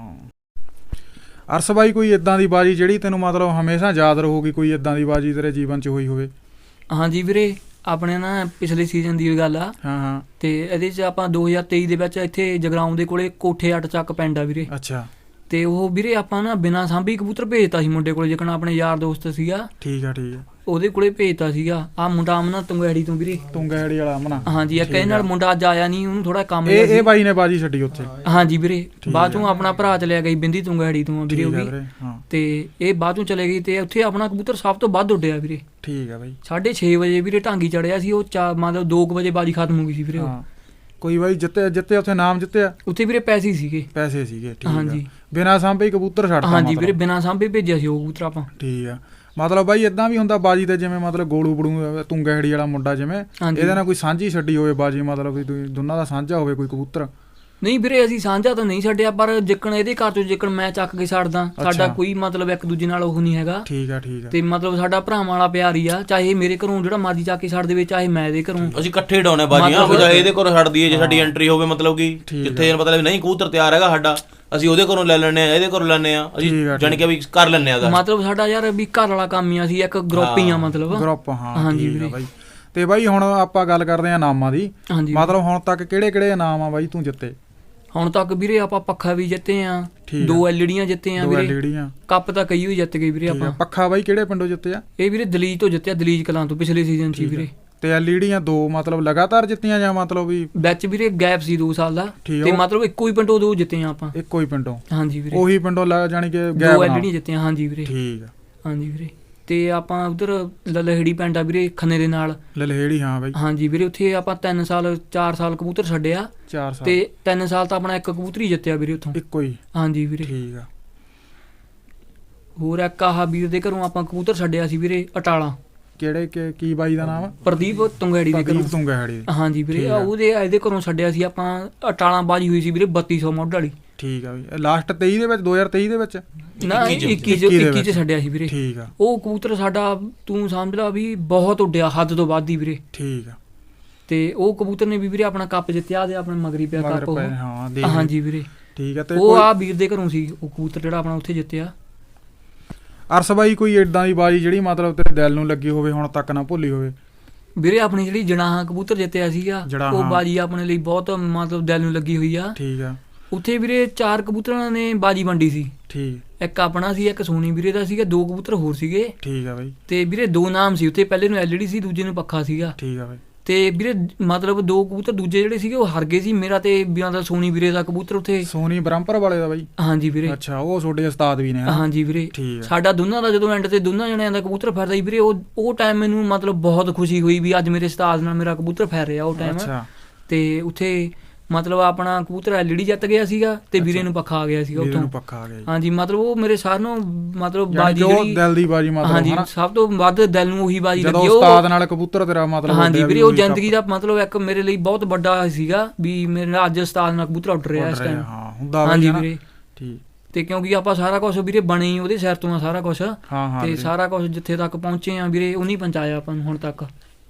S2: ਅਰਸ ਬਾਈ, ਕੋਈ ਏਦਾਂ ਦੀ ਬਾਜੀ ਜਿਹੜੀ ਤੈਨੂੰ ਮਤਲਬ ਹਮੇਸ਼ਾ ਯਾਦ ਰਹੂਗੀ, ਕੋਈ ਏਦਾਂ ਦੀ ਬਾਜੀ ਤੇਰੇ ਜੀਵਨ 'ਚ ਹੋਈ ਹੋਵੇ? ਹਾਂਜੀ ਵੀਰੇ, ਆਪਣੇ ਨਾ ਪਿਛਲੇ ਸੀਜ਼ਨ ਦੀ ਗੱਲ ਆ। ਹਾਂ ਹਾਂ। ਤੇ ਇਹਦੇ 'ਚ ਆਪਾਂ ਦੋ ਹਜ਼ਾਰ ਤੇਈ ਦੇ ਵਿੱਚ ਇੱਥੇ ਜਗਰਾਉਂ ਦੇ ਕੋਲੇ ਕੋਠੇ ਅੱਟ ਚੱਕ ਪਿੰਡ ਆ ਵੀਰੇ। ਅੱਛਾ। ਤੇ ਉਹ ਵੀਰੇ ਆਪਾਂ ਨਾ ਬਿਨਾਂ ਸਾਂਭੀ ਕਬੂਤਰ ਭੇਜਤਾ ਸੀ ਮੁੰਡੇ ਕੋਲੇ, ਜਿਕਣਾ ਆਪਣੇ ਯਾਰ ਦੋਸਤ ਸੀਗਾ। ਠੀਕ ਆ ਠੀਕ ਆ। ਉਹਦੇ ਕੋਲੇ ਭੇਜਤਾ ਸੀਗਾ। ਆ ਮੁੰਡਾ ਅਮਨਾ ਤੁੰਗਾੜੀ ਤੋਂ ਵੀਰੇ। ਤੁੰਗਾੜੀ ਵਾਲਾ ਅਮਨਾ? ਹਾਂਜੀ। ਇੱਕ ਇਹਦੇ ਨਾਲ ਮੁੰਡਾ ਅੱਜ ਆਇਆ ਨਹੀਂ, ਉਹਨੂੰ ਥੋੜਾ ਕੰਮ ਇਹ ਇਹ ਬਾਈ ਨੇ ਬਾਜੀ ਛੱਡੀ ਉੱਥੇ? ਹਾਂਜੀ ਵੀਰੇ, ਬਾਅਦ ਚੋਂ ਆਪਣਾ ਭਰਾ ਚਲਿਆ ਗਈ ਬਿੰਦੀ ਤੁੰਗਾੜੀ ਤੋਂ ਵੀਰੇ ਉਹ ਵੀ, ਤੇ ਇਹ ਬਾਅਦ ਚੋਂ ਚਲੇ ਗਈ, ਤੇ ਉੱਥੇ ਆਪਣਾ ਕਬੂਤਰ ਸਭ ਤੋਂ ਵੱਧ ਉੱਡਿਆ ਵੀਰੇ। ਠੀਕ ਆ ਬਾਈ। ਸਾਢੇ ਛੇ ਵਜੇ ਵੀਰੇ ਢਾਂਗੀ ਚੜਿਆ ਸੀ ਉਹ, ਚਾ ਮਤਲਬ ਦੋ ਕੁ ਵਜੇ ਬਾਜੀ ਖਤਮ ਹੋ ਗਈ ਸੀ ਵੀਰੇ। ਕੋਈ ਬਾਈ ਜਿੱਤੇ ਜਿੱਤੇ ਉੱਥੇ ਨਾਮ ਜਿੱਤਿਆ? ਉੱਥੇ ਵੀਰੇ ਪੈਸੇ ਸੀਗੇ। ਪੈਸੇ ਸੀਗੇ? ਠੀਕ ਆ। ਹਾਂਜੀ। ਬਿਨਾਂ ਸਾਂਭੇ ਕਬੂਤਰ ਛੱਡਤਾ? ਹਾਂਜੀ ਵੀਰੇ, ਬਿਨਾਂ ਸਾਂਭੇ ਭੇਜਿਆ ਸੀ ਉਹ ਕਬੂਤਰ ਆਪਾਂ। ਠੀਕ ਆ। ਮਤਲਬ ਬਾਈ ਏਦਾਂ ਵੀ ਹੁੰਦਾ ਬਾਜੀ ਤੇ, ਜਿਵੇਂ ਮਤਲਬ ਗੋਲੂ ਬੜੂ ਤੁੰਗਾੜੀ ਵਾਲਾ ਮੁੰਡਾ, ਜਿਵੇਂ ਇਹਦੇ ਨਾਲ ਕੋਈ ਸਾਂਝੀ ਛੱਡੀ ਹੋਵੇ ਬਾਜੀ, ਮਤਲਬ ਵੀ ਦੋਨਾਂ ਦਾ ਸਾਂਝਾ ਹੋਵੇ ਕੋਈ ਕਬੂਤਰ? ਨਹੀਂ ਵੀਰੇ, ਅਸੀਂ ਸਾਂਝਾ ਤਾਂ ਨਹੀਂ ਛੱਡਿਆ, ਪਰ ਜਿੱਕਣ ਇਹਦੇ ਘਰ ਚੋਂ ਜਿੱਕਣ ਮੈਂ ਚੱਕ ਕੇ ਛੱਡਦਾ, ਸਾਡਾ ਕੋਈ ਮਤਲਬ ਇੱਕ ਦੂਜੇ ਨਾਲ ਉਹ ਨਹੀਂ ਹੈਗਾ। ਠੀਕ ਆ ਠੀਕ ਆ। ਤੇ ਮਤਲਬ ਸਾਡਾ ਭਰਾਵਾਂ ਵਾਲਾ ਪਿਆਰ ਹੀ ਆ, ਚਾਹੇ ਮੇਰੇ ਘਰੋਂ ਜਿਹੜਾ ਮਰਜ਼ੀ ਚੱਕ ਕੇ ਛੱਡ ਦੇਵੇ, ਚਾਹੇ ਮੈਂ ਇਹਦੇ ਘਰੋਂ। ਅਸੀਂ ਇਕੱਠੇ ਡਾਉਣੇ ਬਾਜੀਆਂ, ਚਾਹੇ ਇਹਦੇ ਘਰੋਂ ਛੱਡ ਦਈਏ, ਜੇ ਸਾਡੀ ਐਂਟਰੀ ਹੋਵੇ, ਮਤਲਬ ਕਿ ਜਿੱਥੇ ਮਤਲਬ ਨਹੀਂ ਕਬੂਤਰ ਤਿਆਰ ਹੈਗਾ ਸਾਡਾ, ਅਸੀਂ ਉਹਦੇ ਘਰੋਂ ਲੈ ਲੈਣੇ ਆ, ਇਹਦੇ ਘਰੋਂ ਲੈਣੇ ਆ, ਅਸੀਂ ਜਾਣੀ ਕਿ ਵੀ ਕਰ ਲੈਣੇ ਆ। ਮਤਲਬ ਸਾਡਾ ਯਾਰ ਵੀ ਘਰ ਵਾਲਾ ਕੰਮ ਹੀ, ਅਸੀਂ ਇੱਕ ਗਰੁੱਪ ਹੀ ਆ, ਮਤਲਬ ਗਰੁੱਪ। ਹਾਂ ਹਾਂਜੀ ਵੀਰੇ। ਤੇ ਬਾਈ ਹੁਣ ਆਪਾਂ ਗੱਲ ਕਰਦੇ ਆ ਇਨਾਮਾਂ ਦੀ। ਮਤਲਬ ਹੁਣ ਤੱਕ ਕਿਹੜੇ ਕਿਹੜੇ ਇਨਾਮ ਆ ਬਾਈ ਤੂੰ ਜਿੱਤੇ? ਹੁਣ ਤੱਕ ਵੀਰੇ ਆਪਾਂ ਪੱਖਾ ਵੀ ਜਿੱਤੇ ਆ, ਦੋ ਐਲਈਡੀਆਂ ਜਿੱਤੇ ਆ ਵੀਰੇ, ਕੱਪ ਤਾਂ ਕਈ ਵੀ ਜਿੱਤ ਗਏ ਵੀਰੇ ਆਪਾਂ। ਪੱਖਾ ਬਾਈ ਕਿਹੜੇ ਪਿੰਡੋਂ ਜਿੱਤੇ ਆ? ਇਹ ਵੀਰੇ ਦਲੀਜ ਤੋਂ ਜਿੱਤਿਆ, ਦਲੀਜ ਕਲਾਂ ਤੋਂ, ਪਿਛਲੇ ਸੀਜ਼ਨ 'ਚ ਵੀਰੇ। ਤੇ ਐਲਈਡੀਆਂ ਦੋ ਮਤਲਬ ਲਗਾਤਾਰ ਜਿੱਤੀਆਂ ਜਾਂ ਮਤਲਬ ਵੀ ਵਿੱਚ ਵੀਰੇ ਗੈਪ ਸੀ ਦੋ ਸਾਲ ਦਾ, ਤੇ ਮਤਲਬ ਇੱਕੋ ਹੀ ਪਿੰਡੋਂ ਦੋ ਜਿੱਤੇ ਆ ਆਪਾਂ। ਇੱਕੋ ਹੀ ਪਿੰਡੋਂ? ਹਾਂਜੀ ਵੀਰੇ। ਉਹੀ ਪਿੰਡੋਂ ਜਾਣੀ ਕਿ ਦੋ ਐਲਈਡੀਆਂ ਜਿੱਤੀਆਂ। ਹਾਂਜੀ ਵੀਰੇ। ਠੀਕ ਆ। ਹਾਂਜੀ ਵੀਰੇ। ਤੇ ਆਪਾਂ ਉਧਰ ਲਲਹੇੜੀ ਪਿੰਡ ਆ ਵੀਰੇ, ਖੰਨੇ ਦੇ ਨਾਲ। ਲਲਹੇੜੀ? ਹਾਂ ਬਾਈ। ਹਾਂਜੀ ਵੀਰੇ, ਉੱਥੇ ਆਪਾਂ ਤਿੰਨ ਸਾਲ ਚਾਰ ਸਾਲ ਕਬੂਤਰ ਛੱਡਿਆ। ਚਾਰ ਸਾਲ? ਤੇ ਤਿੰਨ ਸਾਲ ਤਾਂ ਆਪਣਾ ਇੱਕ ਕਬੂਤਰ ਹੀ ਜਿੱਤਿਆ ਵੀਰੇ ਉੱਥੋਂ। ਇੱਕੋ ਹੀ? ਹਾਂਜੀ ਵੀਰੇ। ਠੀਕ ਆ। ਹੋਰ ਇੱਕ ਆਹ ਵੀਰ ਦੇ ਘਰੋਂ ਆਪਾਂ ਕਬੂਤਰ ਛੱਡਿਆ ਸੀ ਵੀਰੇ, ਅਟਾਲਾ। ਕਿਹੜੇ ਕੀ ਬਾਈ ਦਾ ਨਾਮ? ਪ੍ਰਦੀਪ ਤੁੰਗਾੜੀ ਦੇ ਘਰੋਂ। ਤੁੰਗਾੜੀ? ਹਾਂਜੀ ਵੀਰੇ। ਉਹਦੇ ਇਹਦੇ ਘਰੋਂ ਛੱਡਿਆ ਸੀ ਆਪਾਂ, ਅਟਾਲਾ ਬਾਜੀ ਹੋਈ ਸੀ ਵੀਰੇ ਬੱਤੀ ਸੌ ਮੁੱਢ ਵਾਲੀ। ਠੀਕ ਆ ਬਈ। ਲਾਸਟ ਤੇਈ ਦੇ ਵਿੱਚ, ਦੋ ਹਜ਼ਾਰ ਤੇਈ ਦੇ ਵਿੱਚ? ਨਾ, ਇੱਕੀ ਚ ਇੱਕੀ ਚ ਛੱਡਿਆ ਸੀ ਵੀਰੇ। ਠੀਕ ਆ। ਉਹ ਕਬੂਤਰ ਸਾਡਾ ਤੂੰ ਸਮਝ ਲਾ ਵੀ ਬਹੁਤ ਉੱਡਿਆ, ਹੱਦ ਤੋਂ ਵੱਧ ਹੀ ਵੀਰੇ। ਠੀਕ ਆ। ਤੇ ਉਹ ਕਬੂਤਰ ਨੇ ਵੀ ਵੀਰੇ ਆਪਣਾ ਕੱਪ ਜਿੱਤਿਆ, ਤੇ ਆਪਣੇ ਮਗਰੀ ਪਿਆ ਕੱਪ ਉਹ। ਹਾਂਜੀ ਵੀਰੇ। ਠੀਕ ਆ। ਤੇ ਉਹ ਆ ਵੀਰ ਦੇ ਘਰੋਂ ਸੀ ਉਹ ਕਬੂਤਰ ਜਿਹੜਾ ਆਪਣਾ ਉੱਥੇ ਜਿੱਤਿਆ। ਅਰਸ ਬਾਈ, ਕੋਈ ਏਦਾਂ ਦੀ ਬਾਜੀ ਜਿਹੜੀ ਮਤਲਬ ਤੇਰੇ ਦਿਲ ਨੂੰ ਲੱਗੀ ਹੋਵੇ, ਹੁਣ ਤੱਕ ਨਾ ਭੁੱਲੀ ਹੋਵੇ? ਵੀਰੇ ਆਪਣੀ ਜਿਹੜੀ ਜਨਾਹਾ ਕਬੂਤਰ ਜਿੱਤਿਆ ਸੀਗਾ, ਉਹ ਬਾਜੀ ਆਪਣੇ ਲਈ ਬਹੁਤ ਮਤਲਬ ਦਿਲ ਨੂੰ ਲੱਗੀ ਹੋਈ ਆ। ਠੀਕ ਆ। ਉੱਥੇ ਵੀਰੇ ਚਾਰ ਕਬੂਤਰਾਂ ਨੇ ਬਾਜੀ ਵੰਡੀ ਸੀ। ਠੀਕ। ਇੱਕ ਆਪਣਾ ਸੀ, ਇੱਕ ਸੋਨੀ ਵੀਰੇ ਦਾ ਸੀਗਾ, ਦੋ ਕਬੂਤਰ ਹੋਰ ਸੀਗੇ।
S1: ਠੀਕ ਆ ਬਾਈ।
S2: ਤੇ ਵੀਰੇ ਦੋ ਨਾਮ ਸੀ ਉੱਥੇ, ਪਹਿਲੇ ਨੂੰ ਐਲਈਡੀ ਸੀ, ਦੂਜੇ ਨੂੰ ਪੱਖਾ ਸੀਗਾ।
S1: ਠੀਕ ਆ ਬਾਈ।
S2: ਤੇ ਵੀਰੇ ਮਤਲਬ ਦੋ ਕਬੂਤਰ ਦੂਜੇ ਜਿਹੜੇ ਸੀਗੇ ਉਹ ਹਾਰ ਗਏ ਸੀ, ਮੇਰਾ ਤੇ ਮਤਲਬ ਸੋਨੀ ਵੀਰੇ ਦਾ ਕਬੂਤਰ ਉੱਥੇ।
S1: ਸੋਨੀ ਬ੍ਰਹਮਪੁਰ ਵਾਲੇ ਦਾ ਬਾਈ?
S2: ਹਾਂਜੀ ਵੀਰੇ।
S1: ਅੱਛਾ, ਉਹ ਤੁਹਾਡੇ ਉਸਤਾਦ ਵੀ ਨੇ?
S2: ਹਾਂਜੀ ਵੀਰੇ। ਸਾਡਾ ਦੋਨਾਂ ਦਾ ਜਦੋਂ ਐਂਡ ਤੇ ਦੋਨਾਂ ਜਣਿਆਂ ਦਾ ਕਬੂਤਰ ਫੈਰਦਾ ਸੀ ਵੀਰੇ, ਉਹ ਉਹ ਟਾਈਮ ਮੈਨੂੰ ਮਤਲਬ ਬਹੁਤ ਖੁਸ਼ੀ ਹੋਈ ਵੀ ਅੱਜ ਮੇਰੇ ਉਸਤਾਦ ਨਾਲ ਮੇਰਾ ਕਬੂਤਰ ਫੈਰ ਰਿਹਾ ਉਹ ਟਾਈਮ। ਤੇ ਉੱਥੇ ਮਤਲਬ ਆਪਣਾ ਕਬੂਤਰ ਐਲਈਡੀ ਜਿੱਤ ਗਿਆ ਸੀਗਾ ਤੇ ਵੀਰੇ ਨੂੰ ਪੱਖਾ ਆ ਗਿਆ ਸੀਗਾ ਉੱਥੋਂ।
S1: ਪੱਖਾ ਆ ਗਿਆ।
S2: ਹਾਂਜੀ, ਮਤਲਬ ਉਹ ਮੇਰੇ ਸਾਰਿਆਂ ਨੂੰ ਮਤਲਬ ਬਾਜੀ ਜਿਹੜੀ
S1: ਦਿਲ ਦੀ ਬਾਜੀ ਮਤਲਬ।
S2: ਹਾਂਜੀ, ਸਭ ਤੋਂ ਵੱਧ ਦਿਲ ਨੂੰ ਉਹੀ ਬਾਜੀ ਲੱਗੀ
S1: ਜਦੋਂ ਉਸਤਾਦ ਨਾਲ ਕਬੂਤਰ ਤੇਰਾ ਮਤਲਬ।
S2: ਹਾਂਜੀ ਵੀਰੇ, ਉਹ ਜ਼ਿੰਦਗੀ ਦਾ ਮਤਲਬ ਇੱਕ ਮੇਰੇ ਲਈ ਬਹੁਤ ਵੱਡਾ ਸੀਗਾ ਵੀ ਮੇਰਾ ਅੱਜ ਉਸਤਾਦ ਨਾਲ ਕਬੂਤਰ ਉੱਡ ਰਿਹਾ ਇਸ ਟਾਈਮ।
S1: ਹਾਂ ਹੁੰਦਾ।
S2: ਹਾਂਜੀ ਵੀਰੇ।
S1: ਠੀਕ।
S2: ਤੇ ਕਿਉਂਕਿ ਆਪਾਂ ਸਾਰਾ ਕੁਝ ਵੀਰੇ ਬਣੇ ਉਹਦੇ ਸਿਰ ਤੋਂ ਆ ਸਾਰਾ ਕੁਝ। ਤੇ ਸਾਰਾ ਕੁਝ ਜਿੱਥੇ ਤੱਕ ਪਹੁੰਚੇ ਆ ਵੀਰੇ ਉਹਨੇ ਪਹੁੰਚਾਇਆ ਆਪਾਂ ਨੂੰ ਹੁਣ ਤੱਕ।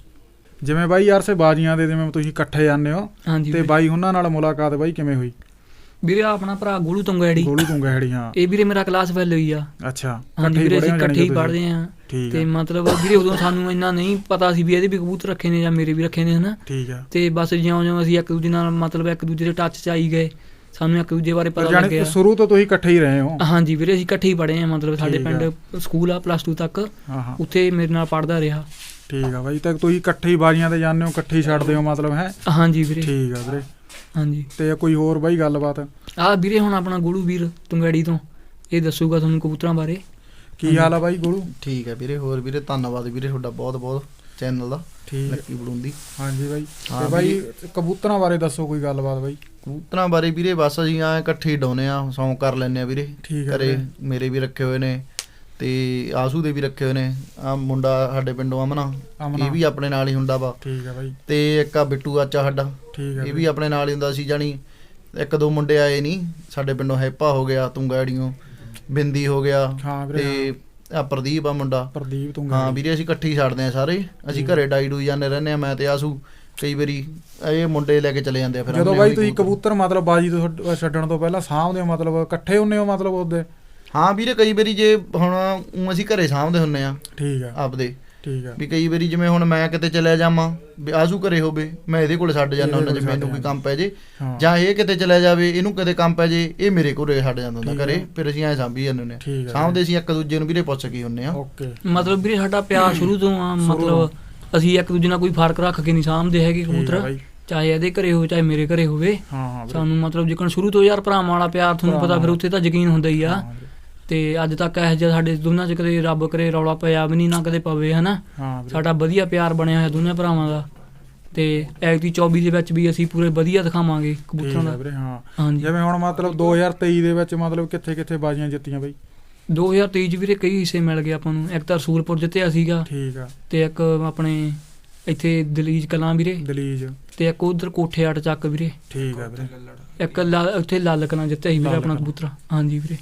S1: ਜਿਵੇਂ ਬਾਈ ਯਾਰ ਸੇ ਬਾਜੀਆਂ ਦੇ ਜਿਵੇਂ ਤੁਸੀਂ ਇਕੱਠੇ ਜਾਂਦੇ ਹੋ ਤੇ ਬਾਈ ਉਹਨਾਂ ਨਾਲ ਮੁਲਾਕਾਤ ਬਾਈ ਕਿਵੇਂ ਹੋਈ?
S2: ਵੀਰੇ ਆਪਣਾ ਭਰਾ ਗੋਲੂ ਤੁੰਗਾੜੀ।
S1: ਗੋਲੂ ਤੁੰਗਾੜੀ, ਹਾਂ।
S2: ਇਹ ਵੀਰੇ ਮੇਰਾ ਕਲਾਸ ਫੈਲ ਹੋਈ ਆ।
S1: ਅੱਛਾ।
S2: ਹਾਂਜੀ ਵੀਰੇ, ਅਸੀਂ ਇਕੱਠੇ ਹੀ ਪੜ੍ਹਦੇ ਆ। ਤੇ ਮਤਲਬ ਵੀਰੇ ਉਦੋਂ ਸਾਨੂੰ ਇੰਨਾ ਨਹੀਂ ਪਤਾ ਸੀ ਵੀ ਇਹਦੇ ਵੀ ਕਬੂਤਰ ਰੱਖੇ ਨੇ ਜਾਂ ਮੇਰੇ ਵੀ ਰੱਖੇ ਨੇ, ਹਨਾ। ਠੀਕ ਆ। ਤੇ ਬਸ ਜਿਉਂ ਜਿਉਂ ਅਸੀਂ ਇੱਕ ਦੂਜੇ ਨਾਲ ਮਤਲਬ ਇੱਕ ਦੂਜੇ ਦੇ ਟੱਚ 'ਚ ਆਈ ਗਏ, ਸਾਨੂੰ ਇੱਕ ਦੂਜੇ ਬਾਰੇ ਪਤਾ ਲੱਗਿਆ।
S1: ਸ਼ੁਰੂ ਤੋਂ ਤੁਸੀਂ ਇਕੱਠੇ ਹੀ ਰਹੇ ਹੋ? ਹਾਂਜੀ
S2: ਵੀਰੇ, ਅਸੀਂ ਇਕੱਠੇ ਹੀ ਪੜ੍ਹੇ ਆ। ਮਤਲਬ ਸਾਡੇ ਪਿੰਡ ਸਕੂਲ ਆ ਪਲੱਸ ਟੂ ਤੱਕ, ਉੱਥੇ ਮੇਰੇ ਨਾਲ ਪੜ੍ਹਦਾ ਰਿਹਾ।
S1: ਠੀਕ ਆ ਬਾਈ। ਤਾਂ ਤੁਸੀਂ ਇਕੱਠੇ ਹੀ ਬਾਜੀਆਂ ਤੇ ਜਾਂਦੇ ਹੋ, ਇਕੱਠੇ ਹੀ ਛੱਡਦੇ ਹੋ ਮਤਲਬ, ਹੈ?
S2: ਹਾਂਜੀ ਵੀਰੇ।
S1: ਠੀਕ ਆ ਵੀਰੇ।
S2: ਹਾਂਜੀ।
S1: ਤੇ ਕੋਈ ਹੋਰ ਬਾਈ ਗੱਲਬਾਤ?
S2: ਆਹ ਵੀਰੇ ਹੁਣ ਆਪਣਾ ਗੋਲੂ ਵੀਰ ਤੁੰਗਾੜੀ ਤੋਂ ਇਹ ਦੱਸੂਗਾ ਤੁਹਾਨੂੰ ਕਬੂਤਰਾਂ ਬਾਰੇ।
S1: ਕੀ ਹਾਲ ਆ ਬਾਈ ਗੋਲੂ?
S3: ਠੀਕ ਹੈ ਵੀਰੇ। ਹੋਰ ਵੀਰੇ ਧੰਨਵਾਦ ਵੀਰੇ ਤੁਹਾਡਾ ਬਹੁਤ ਬਹੁਤ ਚੈਨਲ ਦਾ, ਲੱਕੀ ਬਲੂੰਦੀ।
S1: ਹਾਂਜੀ ਬਾਈ। ਤੇ ਬਾਈ ਕਬੂਤਰਾਂ ਬਾਰੇ ਦੱਸੋ ਕੋਈ ਗੱਲਬਾਤ ਬਾਈ।
S3: ਕਬੂਤਰਾਂ ਬਾਰੇ ਵੀਰੇ ਬਸ ਅਸੀਂ ਐਂ ਇਕੱਠੇ ਹੀ ਡਾਉਂਦੇ ਆ, ਸੌਂਕ ਕਰ ਲੈਂਦੇ ਆ ਵੀਰੇ। ਘਰੇ ਮੇਰੇ ਵੀ ਰੱਖੇ ਹੋਏ ਨੇ ਤੇ ਆਸੂ ਦੇ ਵੀ ਰੱਖੇ ਹੋਏ ਨੇ। ਆ ਮੁੰਡਾ ਸਾਡੇ ਪਿੰਡੋਂ ਅਮਨਾ, ਇਹ ਵੀ ਆਪਣੇ ਨਾਲ ਹੀ ਹੁੰਦਾ ਵਾ। ਠੀਕ ਆ ਬਾਈ। ਤੇ ਇੱਕ ਆ ਬਿੱਟੂ ਆਚਾ ਸਾਡਾ, ਇਹ ਵੀ ਆਪਣੇ ਨਾਲ ਹੀ ਹੁੰਦਾ ਸੀ। ਜਾਣੀ ਇੱਕ ਦੋ ਮੁੰਡੇ ਆਏ ਨਹੀਂ ਸਾਡੇ ਪਿੰਡੋਂ, ਹੈਪਾ ਹੋ ਗਿਆ, ਤੁੰਗਾੜੀਓ, ਬਿੰਦੀ ਹੋ ਗਿਆ, ਤੇ ਆ ਪ੍ਰਦੀਪ ਆ ਮੁੰਡਾ, ਪ੍ਰਦੀਪ ਤੁੰਗਾ। ਹਾਂ ਵੀਰੇ, ਅਸੀਂ ਇਕੱਠੇ ਹੀ ਛੱਡਦੇ ਆ ਸਾਰੇ। ਅਸੀਂ ਘਰੇ ਡਾਈ ਡੂਈ ਜਾਂਦੇ ਰਹਿੰਦੇ ਆ, ਮੈਂ ਤੇ ਆਸੂ। ਕਈ ਵਾਰੀ ਇਹ ਮੁੰਡੇ ਲੈ ਕੇ ਚਲੇ ਜਾਂਦੇ ਆ। ਫਿਰ
S1: ਜਦੋਂ ਬਾਈ ਤੁਸੀਂ ਕਬੂਤਰ ਮਤਲਬ ਬਾਜੀ ਤੋਂ ਛੱਡਣ ਤੋਂ ਪਹਿਲਾਂ ਸਾਂਭਦੇ ਹੋ, ਮਤਲਬ ਇਕੱਠੇ ਹੁੰਦੇ ਹੋ ਮਤਲਬ ਉਹਦੇ?
S3: ਹਾਂ ਵੀਰੇ, ਕਈ ਵਾਰੀ ਜੇ ਹੁਣ ਅਸੀਂ ਘਰੇ ਸਾਂਭਦੇ ਹੁੰਦੇ ਆ। ਠੀਕ ਆ। ਆਪਦੇ। ਠੀਕ ਆ। ਵੀ ਕਈ ਵਾਰੀ ਜਿਵੇਂ ਹੁਣ ਮੈਂ ਕਿਤੇ ਚਲਿਆ ਜਾਵਾਂ, ਆਸੂ ਘਰੇ ਹੋਵੇ, ਮੈਂ ਇਹਦੇ ਕੋਲ ਛੱਡ ਜਾਂਦਾ ਹੁੰਦਾ ਜੇ ਮੈਨੂੰ ਕੋਈ ਕੰਮ ਪੈ ਜੇ, ਜਾਂ ਇਹ ਕਿਤੇ ਚਲਿਆ ਜਾਵੇ, ਇਹਨੂੰ ਕਦੇ ਕੰਮ ਪੈ ਜੇ, ਇਹ ਮੇਰੇ ਕੋਲ ਛੱਡ ਜਾਂਦਾ ਹੁੰਦਾ ਘਰੇ। ਫਿਰ ਅਸੀਂ ਐਂ ਸਾਂਭੀ ਜਾਂਦੇ ਹੁੰਦੇ ਆ, ਸਾਂਭਦੇ ਅਸੀਂ ਇੱਕ ਦੂਜੇ ਨੂੰ ਵੀਰੇ ਪੁੱਛ ਕੇ ਹੁੰਦੇ ਆ।
S2: ਮਤਲਬ ਵੀਰੇ ਸਾਡਾ ਪਿਆਰ ਸ਼ੁਰੂ ਤੋਂ ਆ, ਮਤਲਬ ਅਸੀਂ ਇੱਕ ਦੂਜੇ ਨਾਲ ਕੋਈ ਫਰਕ ਰੱਖ ਕੇ ਨਹੀਂ ਸਾਂਭਦੇ ਹੈਗੇ ਕਬੂਤਰ, ਚਾਹੇ ਇਹਦੇ ਘਰੇ ਹੋਵੇ ਚਾਹੇ ਮੇਰੇ ਘਰੇ ਹੋਵੇ। ਸਾਨੂੰ ਮਤਲਬ ਜਿਕਣ ਸ਼ੁਰੂ ਤੋਂ ਯਾਰ ਭਰਾਵਾਂ ਵਾਲਾ ਪਿਆਰ, ਤੁਹਾਨੂੰ ਪਤਾ ਫਿਰ ਉੱਥੇ ਤਾਂ ਯਕੀਨ ਹੁੰਦਾ ਹੀ ਆ। ਤੇ ਅੱਜ ਤੱਕ ਇਹੋ ਜਿਹਾ ਸਾਡੇ ਦੋਨਾਂ 'ਚ ਕਦੇ ਰੱਬ ਕਰੇ ਰੌਲਾ ਪਿਆ ਵੀ ਨਹੀਂ, ਨਾ ਕਦੇ ਪਵੇ, ਹਨਾ। ਸਾਡਾ ਵਧੀਆ ਪਿਆਰ ਬਣਿਆ ਹੋਇਆ ਦੋਨੇ ਭਰਾਵਾਂ ਦਾ। ਤੇ ਐਕਟੀ ਚੌਵੀ ਦੇ ਵਿੱਚ ਵੀ ਅਸੀਂ ਪੂਰੇ ਵਧੀਆ ਦਿਖਾਵਾਂਗੇ ਕਬੂਤਰਾਂ ਦਾ।
S1: ਹਾਂਜੀ। ਜਿਵੇਂ ਹੁਣ ਮਤਲਬ ਦੋ ਹਜ਼ਾਰ ਤੇਈ ਦੇ ਵਿੱਚ ਮਤਲਬ ਕਿੱਥੇ ਕਿੱਥੇ ਬਾਜ਼ੀਆਂ ਜਿੱਤੀਆਂ ਬਈ?
S2: ਦੋ ਹਜ਼ਾਰ ਤੇਈ 'ਚ ਵੀਰੇ ਕਈ ਹਿੱਸੇ ਮਿਲ ਗਏ ਆਪਾਂ ਨੂੰ। ਇੱਕ ਤਾਂ ਰਸੂਲਪੁਰ ਜਿੱਤਿਆ ਸੀਗਾ। ਠੀਕ ਆ। ਤੇ ਇੱਕ ਆਪਣੇ ਇੱਥੇ ਦਲੀਜ ਕਲਾਂ ਵੀਰੇ। ਦਲੀਜ। ਤੇ ਇੱਕ ਉਧਰ ਕੋਠੇ ਅੱਟ ਚੱਕ ਵੀਰੇ। ਠੀਕ ਆ ਵੀਰੇ। ਇੱਕ ਉੱਥੇ ਲਾਲ ਕਲਾਂ ਜਿੱਤਿਆ ਸੀ ਵੀਰੇ ਆਪਣਾ ਕਬੂਤਰ। ਹਾਂਜੀ ਵੀਰੇ।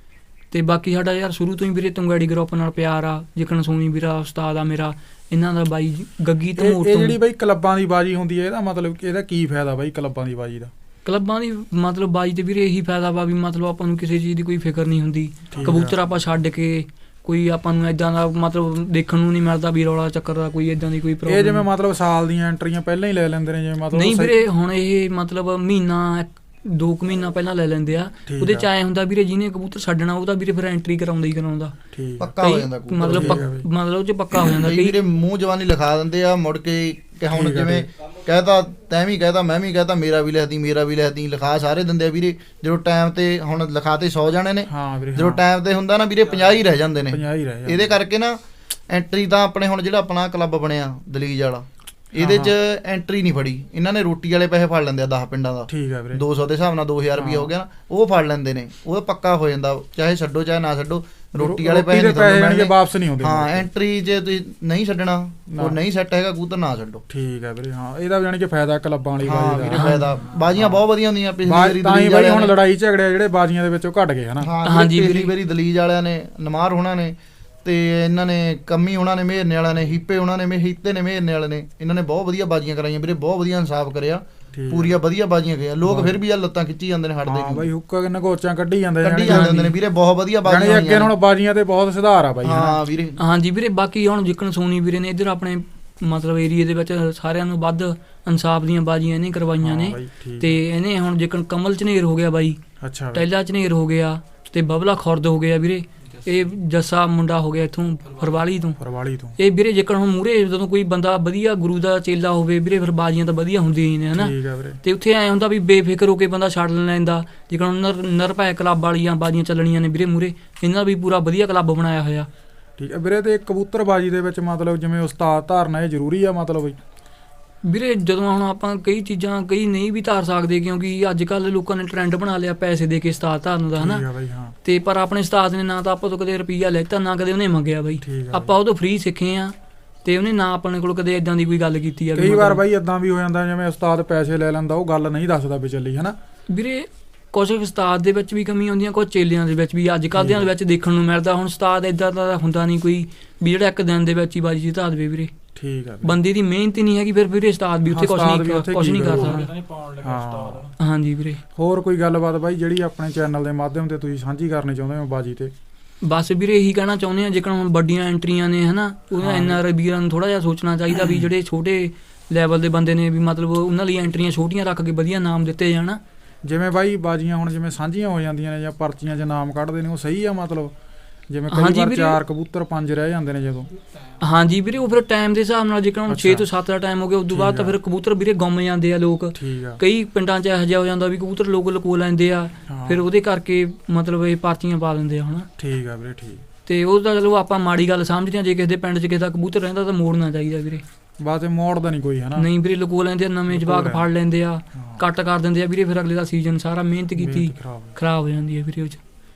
S2: ਤੇ ਬਾਕੀ ਸਾਡਾ ਯਾਰ ਸ਼ੁਰੂ ਤੋਂ ਹੀ ਵੀਰੇ ਤੁੰਗਾੜੀ ਗਰੁੱਪ ਨਾਲ ਪਿਆਰ ਆ। ਜਿਕਣ ਸੋਨੀ ਵੀਰਾ ਉਸਤਾਦ ਆ ਮੇਰਾ, ਇਹਨਾਂ ਦਾ ਬਾਈ ਗੱਗੀ ਧਮੋਟ ਤੋਂ।
S1: ਇਹ ਜਿਹੜੀ ਬਾਈ ਕਲੱਬਾਂ ਦੀ ਬਾਜੀ ਹੁੰਦੀ ਹੈ, ਇਹਦਾ ਮਤਲਬ ਇਹਦਾ ਕੀ ਫਾਇਦਾ ਬਾਈ ਕਲੱਬਾਂ ਦੀ ਬਾਜੀ ਦਾ?
S2: ਕਲੱਬਾਂ ਦੀ ਮਤਲਬ ਬਾਜੀ ਤੇ ਵੀਰੇ ਇਹੀ ਫਾਇਦਾ ਵਾ ਵੀ ਮਤਲਬ ਆਪਾਂ ਨੂੰ ਕਿਸੇ ਚੀਜ਼ ਦੀ ਕੋਈ ਫਿਕਰ ਨਹੀਂ ਹੁੰਦੀ। ਕਬੂਤਰ ਆਪਾਂ ਛੱਡ ਕੇ ਕੋਈ ਆਪਾਂ ਨੂੰ ਏਦਾਂ ਦਾ ਮਤਲਬ ਦੇਖਣ ਨੂੰ ਨਹੀਂ ਮਿਲਦਾ ਵੀ ਰੌਲਾ ਚੱਕਰ ਦਾ ਕੋਈ ਏਦਾਂ ਦੀ ਕੋਈ ਪ੍ਰੋਬਲਮ।
S1: ਇਹ ਜਿਵੇਂ ਮਤਲਬ ਸਾਲ ਦੀਆਂ ਐਂਟਰੀਆਂ ਪਹਿਲਾਂ ਹੀ ਲੈ ਲੈਂਦੇ ਨੇ ਜਿਵੇਂ ਮਤਲਬ?
S2: ਨਹੀਂ ਵੀਰੇ, ਹੁਣ ਇਹ ਮਤਲਬ ਮਹੀਨਾ ਦੋ ਕੁ ਮਹੀਨਾ ਪਹਿਲਾਂ ਲੈ ਲੈਂਦੇ ਆ। ਉਹਦੇ ਚ ਆਏ ਹੁੰਦਾ ਵੀਰੇ ਜਿਹਨੇ ਕਬੂਤਰ ਛੱਡਣਾ ਉਹ ਤਾਂ ਵੀਰੇ ਫਿਰ ਐਂਟਰੀ ਕਰਾਉਂਦਾ ਹੀ ਕਰਾਉਂਦਾ।
S3: ਪੱਕਾ ਹੋ ਜਾਂਦਾ
S2: ਮਤਲਬ ਮਤਲਬ ਉਹ ਚ ਪੱਕਾ ਹੋ ਜਾਂਦਾ।
S3: ਕਈ ਵੀਰੇ ਮੂੰਹ ਜਵਾਨੀ ਲਿਖਾ ਦਿੰਦੇ ਆ ਮੁੜ ਕੇ, ਹੁਣ ਜਿਵੇਂ ਕਹਿਤਾ ਤੈਂ ਵੀ ਕਹਿਤਾ ਮੈਂ ਵੀ ਕਹਿਤਾ, ਮੇਰਾ ਵੀ ਲਿਖਦੀ ਮੇਰਾ ਵੀ ਲਿਖਦੀ, ਲਿਖਾ ਸਾਰੇ ਦਿੰਦੇ ਆ ਵੀਰੇ। ਜਦੋਂ ਟਾਈਮ ਤੇ ਹੁਣ ਲਿਖਾ ਤੇ ਸੌ ਜਾਣੇ ਨੇ, ਜਦੋਂ ਟਾਈਮ ਤੇ ਹੁੰਦਾ ਨਾ ਵੀਰੇ ਪੰਜਾਹ ਹੀ ਰਹਿ ਜਾਂਦੇ ਨੇ। ਇਹਦੇ ਕਰਕੇ ਨਾ ਐਂਟਰੀ ਤਾਂ ਆਪਣੇ ਹੁਣ ਜਿਹੜਾ ਆਪਣਾ ਕਲੱਬ ਬਣਿਆ ਦਲੀਜ ਵਾਲਾ, ਇਹਦੇ ਚ ਐਂਟਰੀ ਨਹੀਂ ਫੜੀ ਇਹਨਾਂ ਨੇ। ਰੋਟੀ ਵਾਲੇ ਪੈਸੇ ਫੜ ਲੈਂਦੇ ਆ ਦਸ ਪਿੰਡਾਂ ਦਾ। ਠੀਕ ਆ ਵੀਰੇ। ਦੋ ਸੌ ਦੇ ਹਿਸਾਬ ਨਾਲ ਦੋ ਹਜ਼ਾਰ ਰੁਪਇਆ ਹੋ ਗਿਆ ਨਾ, ਉਹ ਫੜ ਲੈਂਦੇ ਨੇ। ਉਹ ਪੱਕਾ ਹੋ ਜਾਂਦਾ, ਚਾਹੇ ਛੱਡੋ ਚਾਹੇ ਨਾ ਛੱਡੋ, ਰੋਟੀ ਵਾਲੇ ਪੈਸੇ ਨਹੀਂ
S1: ਵਾਪਸ ਨਹੀਂ ਹੁੰਦੇ।
S3: ਹਾਂ, ਐਂਟਰੀ ਜੇ ਤੁਸੀਂ ਨਹੀਂ ਛੱਡਣਾ, ਉਹ ਨਹੀਂ ਸੈੱਟ ਹੈਗਾ ਕਬੂਤਰ, ਨਾ ਛੱਡੋ।
S1: ਠੀਕ ਆ ਵੀਰੇ। ਹਾਂ, ਇਹਦਾ ਜਾਣੀ ਕਿ ਫਾਇਦਾ ਕਲੱਬਾਂ ਵਾਲੀ ਬਾਜੀ ਦਾ।
S3: ਫਾਇਦਾ, ਬਾਜ਼ੀਆਂ ਬਹੁਤ ਵਧੀਆ ਹੁੰਦੀਆਂ। ਪਿਛਲੀ ਵਾਰੀ
S1: ਤਾਂ ਹੀ ਬਾਈ ਹੁਣ ਲੜਾਈ ਝਗੜੇ ਜਿਹੜੇ ਬਾਜ਼ੀਆਂ ਦੇ ਵਿੱਚ ਉਹ ਘਟ ਗਏ ਹਨਾ।
S3: ਹਾਂਜੀ, ਪਿਛਲੀ ਵਾਰੀ ਦਲੀਜ ਵਾਲਿਆਂ ਨੇ, ਨਮਾਰ ਹੋਣਾ ਨੇ ਤੇ ਇਹਨਾਂ ਨੇ, ਕੰਮੀ ਉਹਨਾਂ ਨੇ, ਮੇਹਰਨੇ ਵਾਲਿਆਂ ਨੇ, ਹੀਪੇ ਉਹਨਾਂ ਨੇ, ਹੀਤੇ ਨੇ, ਮੇਹਰਨੇ ਵਾਲੇ ਨੇ, ਇਹਨਾਂ ਨੇ ਬਹੁਤ ਵਧੀਆ ਬਾਜ਼ੀਆਂ ਕਰਾਈਆਂ ਵੀਰੇ। ਬਹੁਤ ਵਧੀਆ ਇਨਸਾਫ ਕਰਿਆ, ਪੂਰੀਆਂ ਵਧੀਆ ਬਾਜ਼ੀਆਂ ਗਈਆਂ। ਲੋਕ ਫਿਰ ਵੀ ਆ ਲੱਤਾਂ ਖਿੱਚੀ ਜਾਂਦੇ ਨੇ, ਹਟਦੇ ਨਹੀਂ ਬਾਈ।
S1: ਹੁੱਕਾ ਨਗੋਚਾਂ ਕੱਢੀ ਜਾਂਦੇ
S3: ਕੱਢੀ ਜਾਂਦੇ ਨੇ ਵੀਰੇ। ਬਹੁਤ ਵਧੀਆ ਬਾਜ਼ੀਆਂ
S1: ਅੱਗੇ ਹੁਣ ਬਾਜ਼ੀਆਂ ਤੇ ਬਹੁਤ ਸੁਧਾਰ ਆ ਬਾਈ।
S3: ਹਾਂ ਵੀਰੇ।
S2: ਹਾਂਜੀ ਵੀਰੇ। ਬਾਕੀ ਹੁਣ ਜਿੱਕਣ ਸੋਨੀ ਵੀਰੇ ਨੇ ਇੱਧਰ ਆਪਣੇ ਮਤਲਬ ਏਰੀਏ ਦੇ ਵਿੱਚ ਸਾਰਿਆਂ ਨੂੰ ਵੱਧ ਇਨਸਾਫ ਦੀਆਂ ਬਾਜ਼ੀਆਂ ਇਹਨੇ ਕਰਵਾਈਆਂ ਨੇ। ਤੇ ਇਹਨੇ ਹੁਣ ਜਿੱਕਣ ਕਮਲ ਝਨੇਰ ਹੋ ਗਿਆ ਬਾਈ, ਟੈਲਾ ਝਨੇਰ ਹੋ ਗਿਆ, ਤੇ ਬਬਲਾ ਖੁਰਦ ਹੋ ਗਿਆ ਵੀਰੇ, ਇਹ ਜੱਸਾ ਮੁੰਡਾ ਹੋ ਗਿਆ ਇੱਥੋਂ ਫਰਵਾਲੀ ਤੋਂ
S1: ਫਰਵਾਲੀ ਤੋਂ
S2: ਇਹ ਵੀਰੇ ਜੇਕਰ ਹੁਣ ਮੂਹਰੇ ਜਦੋਂ ਕੋਈ ਬੰਦਾ ਵਧੀਆ ਗੁਰੂ ਦਾ ਚੇਲਾ ਹੋਵੇ ਵੀਰੇ ਫਿਰ ਬਾਜ਼ੀਆਂ ਤਾਂ ਵਧੀਆ ਹੁੰਦੀਆਂ ਹੀ ਨੇ ਹਨਾ। ਤੇ ਉੱਥੇ ਐ ਹੁੰਦਾ ਵੀ ਬੇਫਿਕਰ ਹੋ ਕੇ ਬੰਦਾ ਛੱਡ ਲੈਂਦਾ। ਜੇਕਰ ਹੁਣ ਨਰ ਨਿਰਭੈ ਕਲੱਬ ਵਾਲੀਆਂ ਬਾਜ਼ੀਆਂ ਚੱਲਣੀਆਂ ਨੇ ਵੀਰੇ ਮੂਹਰੇ, ਇਹਨਾਂ ਵੀ ਪੂਰਾ ਵਧੀਆ ਕਲੱਬ ਬਣਾਇਆ ਹੋਇਆ।
S1: ਠੀਕ ਹੈ ਵੀਰੇ। ਤੇ ਕਬੂਤਰਬਾਜੀ ਦੇ ਵਿੱਚ ਮਤਲਬ ਜਿਵੇਂ ਉਸਤਾਦ ਧਾਰਨਾ ਇਹ ਜ਼ਰੂਰੀ ਆ ਮਤਲਬ ਬਈ
S2: ਵੀਰੇ? ਜਦੋਂ ਹੁਣ ਆਪਾਂ ਕਈ ਚੀਜ਼ਾਂ ਕਈ ਨਹੀਂ ਵੀ ਧਾਰ ਸਕਦੇ ਕਿਉਂਕਿ ਅੱਜ ਕੱਲ੍ਹ ਲੋਕਾਂ ਨੇ ਟਰੈਂਡ ਬਣਾ ਲਿਆ ਪੈਸੇ ਦੇ ਕੇ ਉਸਤਾਦ ਧਾਰਨ ਦਾ ਹਨਾ। ਤੇ ਪਰ ਆਪਣੇ ਉਸਤਾਦ ਨੇ ਨਾ ਤਾਂ ਆਪਾਂ ਤੋਂ ਕਦੇ ਰੁਪਈਆ ਲੈਤਾ ਨਾ ਕਦੇ ਉਹਨੇ ਮੰਗਿਆ ਬਾਈ, ਆਪਾਂ ਉਹ ਤੋਂ ਫ੍ਰੀ ਸਿੱਖੇ ਆ ਤੇ ਉਹਨੇ ਨਾ ਆਪਣੇ ਕੋਲ ਕਦੇ ਇਦਾਂ ਦੀ ਕੋਈ ਗੱਲ ਕੀਤੀ ਆ।
S1: ਕਈ ਵਾਰ ਬਾਈ ਇਦਾਂ ਵੀ ਹੋ ਜਾਂਦਾ ਜਿਵੇਂ ਉਸਤਾਦ ਪੈਸੇ ਲੈ ਲੈਂਦਾ ਉਹ ਗੱਲ ਨਹੀਂ ਦੱਸਦਾ ਵੀ ਚੱਲੀ ਹਨਾ
S2: ਵੀਰੇ। ਕੁਛ ਉਸਤਾਦ ਦੇ ਵਿੱਚ ਵੀ ਕਮੀ ਆਉਂਦੀਆਂ, ਕੁਛ ਚੇਲਿਆਂ ਦੇ ਵਿੱਚ ਵੀ ਅੱਜ ਕੱਲ੍ਹ ਦਿਆਂ ਦੇ ਵਿੱਚ ਦੇਖਣ ਨੂੰ ਮਿਲਦਾ। ਹੁਣ ਉਸਤਾਦ ਏਦਾਂ ਦਾ ਹੁੰਦਾ ਨਹੀਂ ਕੋਈ ਵੀ ਜਿਹੜਾ ਇੱਕ ਦਿਨ ਦੇ ਵਿੱਚ ਹੀ ਬਾਜੀ ਜਿਤਾ ਦੇਵੇ ਵੀਰੇ।
S1: ਠੀਕ ਆ।
S2: ਬੰਦੇ ਦੀ ਮਿਹਨਤ ਹੀ ਨਹੀਂ ਹੈਗੀ ਫਿਰ ਵੀਰੇ ਉਸਤਾਦ ਵੀ ਉੱਥੇ ਕੁਛ ਨਹੀਂ ਕੁਛ ਨਹੀਂ ਕਰ ਸਕਦਾ। ਹਾਂਜੀ ਵੀਰੇ।
S1: ਹੋਰ ਕੋਈ ਗੱਲਬਾਤ ਬਾਈ ਜਿਹੜੀ ਆਪਣੇ ਚੈਨਲ ਦੇ ਮਾਧਿਅਮ ਤੇ ਤੁਸੀਂ ਸਾਂਝੀ ਕਰਨੀ ਚਾਹੁੰਦੇ ਹੋ ਬਾਜੀ ਤੇ?
S2: ਬਸ ਵੀਰੇ ਇਹੀ ਕਹਿਣਾ ਚਾਹੁੰਦੇ ਆ ਜੇਕਰ ਹੁਣ ਵੱਡੀਆਂ ਐਂਟਰੀਆਂ ਨੇ ਹਨਾ ਉਹਨਾਂ ਐਨ ਆਰ ਆਈ ਵੀਰਾਂ ਨੂੰ ਥੋੜ੍ਹਾ ਜਿਹਾ ਸੋਚਣਾ ਚਾਹੀਦਾ ਵੀ ਜਿਹੜੇ ਛੋਟੇ ਲੈਵਲ ਦੇ ਬੰਦੇ ਨੇ ਵੀ ਮਤਲਬ ਉਹਨਾਂ ਲਈ ਐਂਟਰੀਆਂ ਛੋਟੀਆਂ ਰੱਖ ਕੇ ਵਧੀਆ ਨਾਮ ਦਿੱਤੇ ਜਾਣ। ਜਿਵੇਂ
S1: ਬਾਈ ਬਾਜੀਆਂ ਹੁਣ ਜਿਵੇਂ ਸਾਂਝੀਆਂ ਹੋ ਜਾਂਦੀਆਂ ਨੇ ਜਾਂ ਪਰਚੀਆਂ 'ਚ ਨਾਮ ਕੱਢਦੇ ਨੇ ਉਹ ਸਹੀ ਆ ਮਤਲਬ ਜਿਵੇਂ ਕਈ ਵਾਰ ਚਾਰ ਕਬੂਤਰ ਪੰਜ ਰਹਿ ਜਾਂਦੇ ਨੇ ਜਦੋਂ?
S2: ਹਾਂਜੀ ਵੀਰੇ ਉਹ ਫਿਰ ਟਾਈਮ ਦੇ ਹਿਸਾਬ ਨਾਲ ਜੇਕਰ ਹੁਣ ਛੇ ਤੋਂ ਸੱਤ ਦਾ ਟਾਈਮ ਹੋ ਗਿਆ ਉਦੋਂ ਬਾਅਦ ਤਾਂ ਫਿਰ ਕਬੂਤਰ ਵੀਰੇ ਗੁੰਮ ਜਾਂਦੇ ਆ ਲੋਕ। ਕਈ ਪਿੰਡਾਂ 'ਚ ਇਹੋ ਜਿਹਾ ਹੋ ਜਾਂਦਾ ਵੀ ਕਬੂਤਰ ਲੋਕ ਲੁਕੋ ਲੈਂਦੇ ਆ ਫਿਰ ਉਹਦੇ ਕਰਕੇ ਮਤਲਬ ਇਹ ਪਰਚੀਆਂ ਪਾ ਦਿੰਦੇ ਆ ਹਨਾ।
S1: ਠੀਕ ਆ ਵੀਰੇ। ਠੀਕ।
S2: ਤੇ ਉਹ ਤਾਂ ਚਲੋ ਆਪਾਂ ਮਾੜੀ ਗੱਲ ਸਮਝਦੇ ਹਾਂ ਜੇ ਕਿਸੇ ਦੇ ਪਿੰਡ 'ਚ ਕਿਸੇ ਦਾ ਕਬੂਤਰ ਰਹਿੰਦਾ ਤਾਂ ਮੋੜਨਾ ਚਾਹੀਦਾ ਵੀਰੇ।
S1: ਬਸ ਮੋੜਦਾ ਨਹੀਂ ਕੋਈ ਹਨਾ? ਨਹੀਂ
S2: ਵੀਰੇ ਲੁਕੋ ਲੈਂਦੇ ਆ, ਨਵੇਂ ਜਵਾਕ ਫੜ ਲੈਂਦੇ ਆ, ਕੱਟ ਕਰ ਦਿੰਦੇ ਆ ਵੀਰੇ। ਫਿਰ ਅਗਲੇ ਦਾ ਸੀਜ਼ਨ ਸਾਰਾ ਮਿਹਨਤ ਕੀਤੀ ਖਰਾਬ ਹੋ ਜਾਂਦੀ ਹੈ ਵੀਰੇ ਉਹ 'ਚ।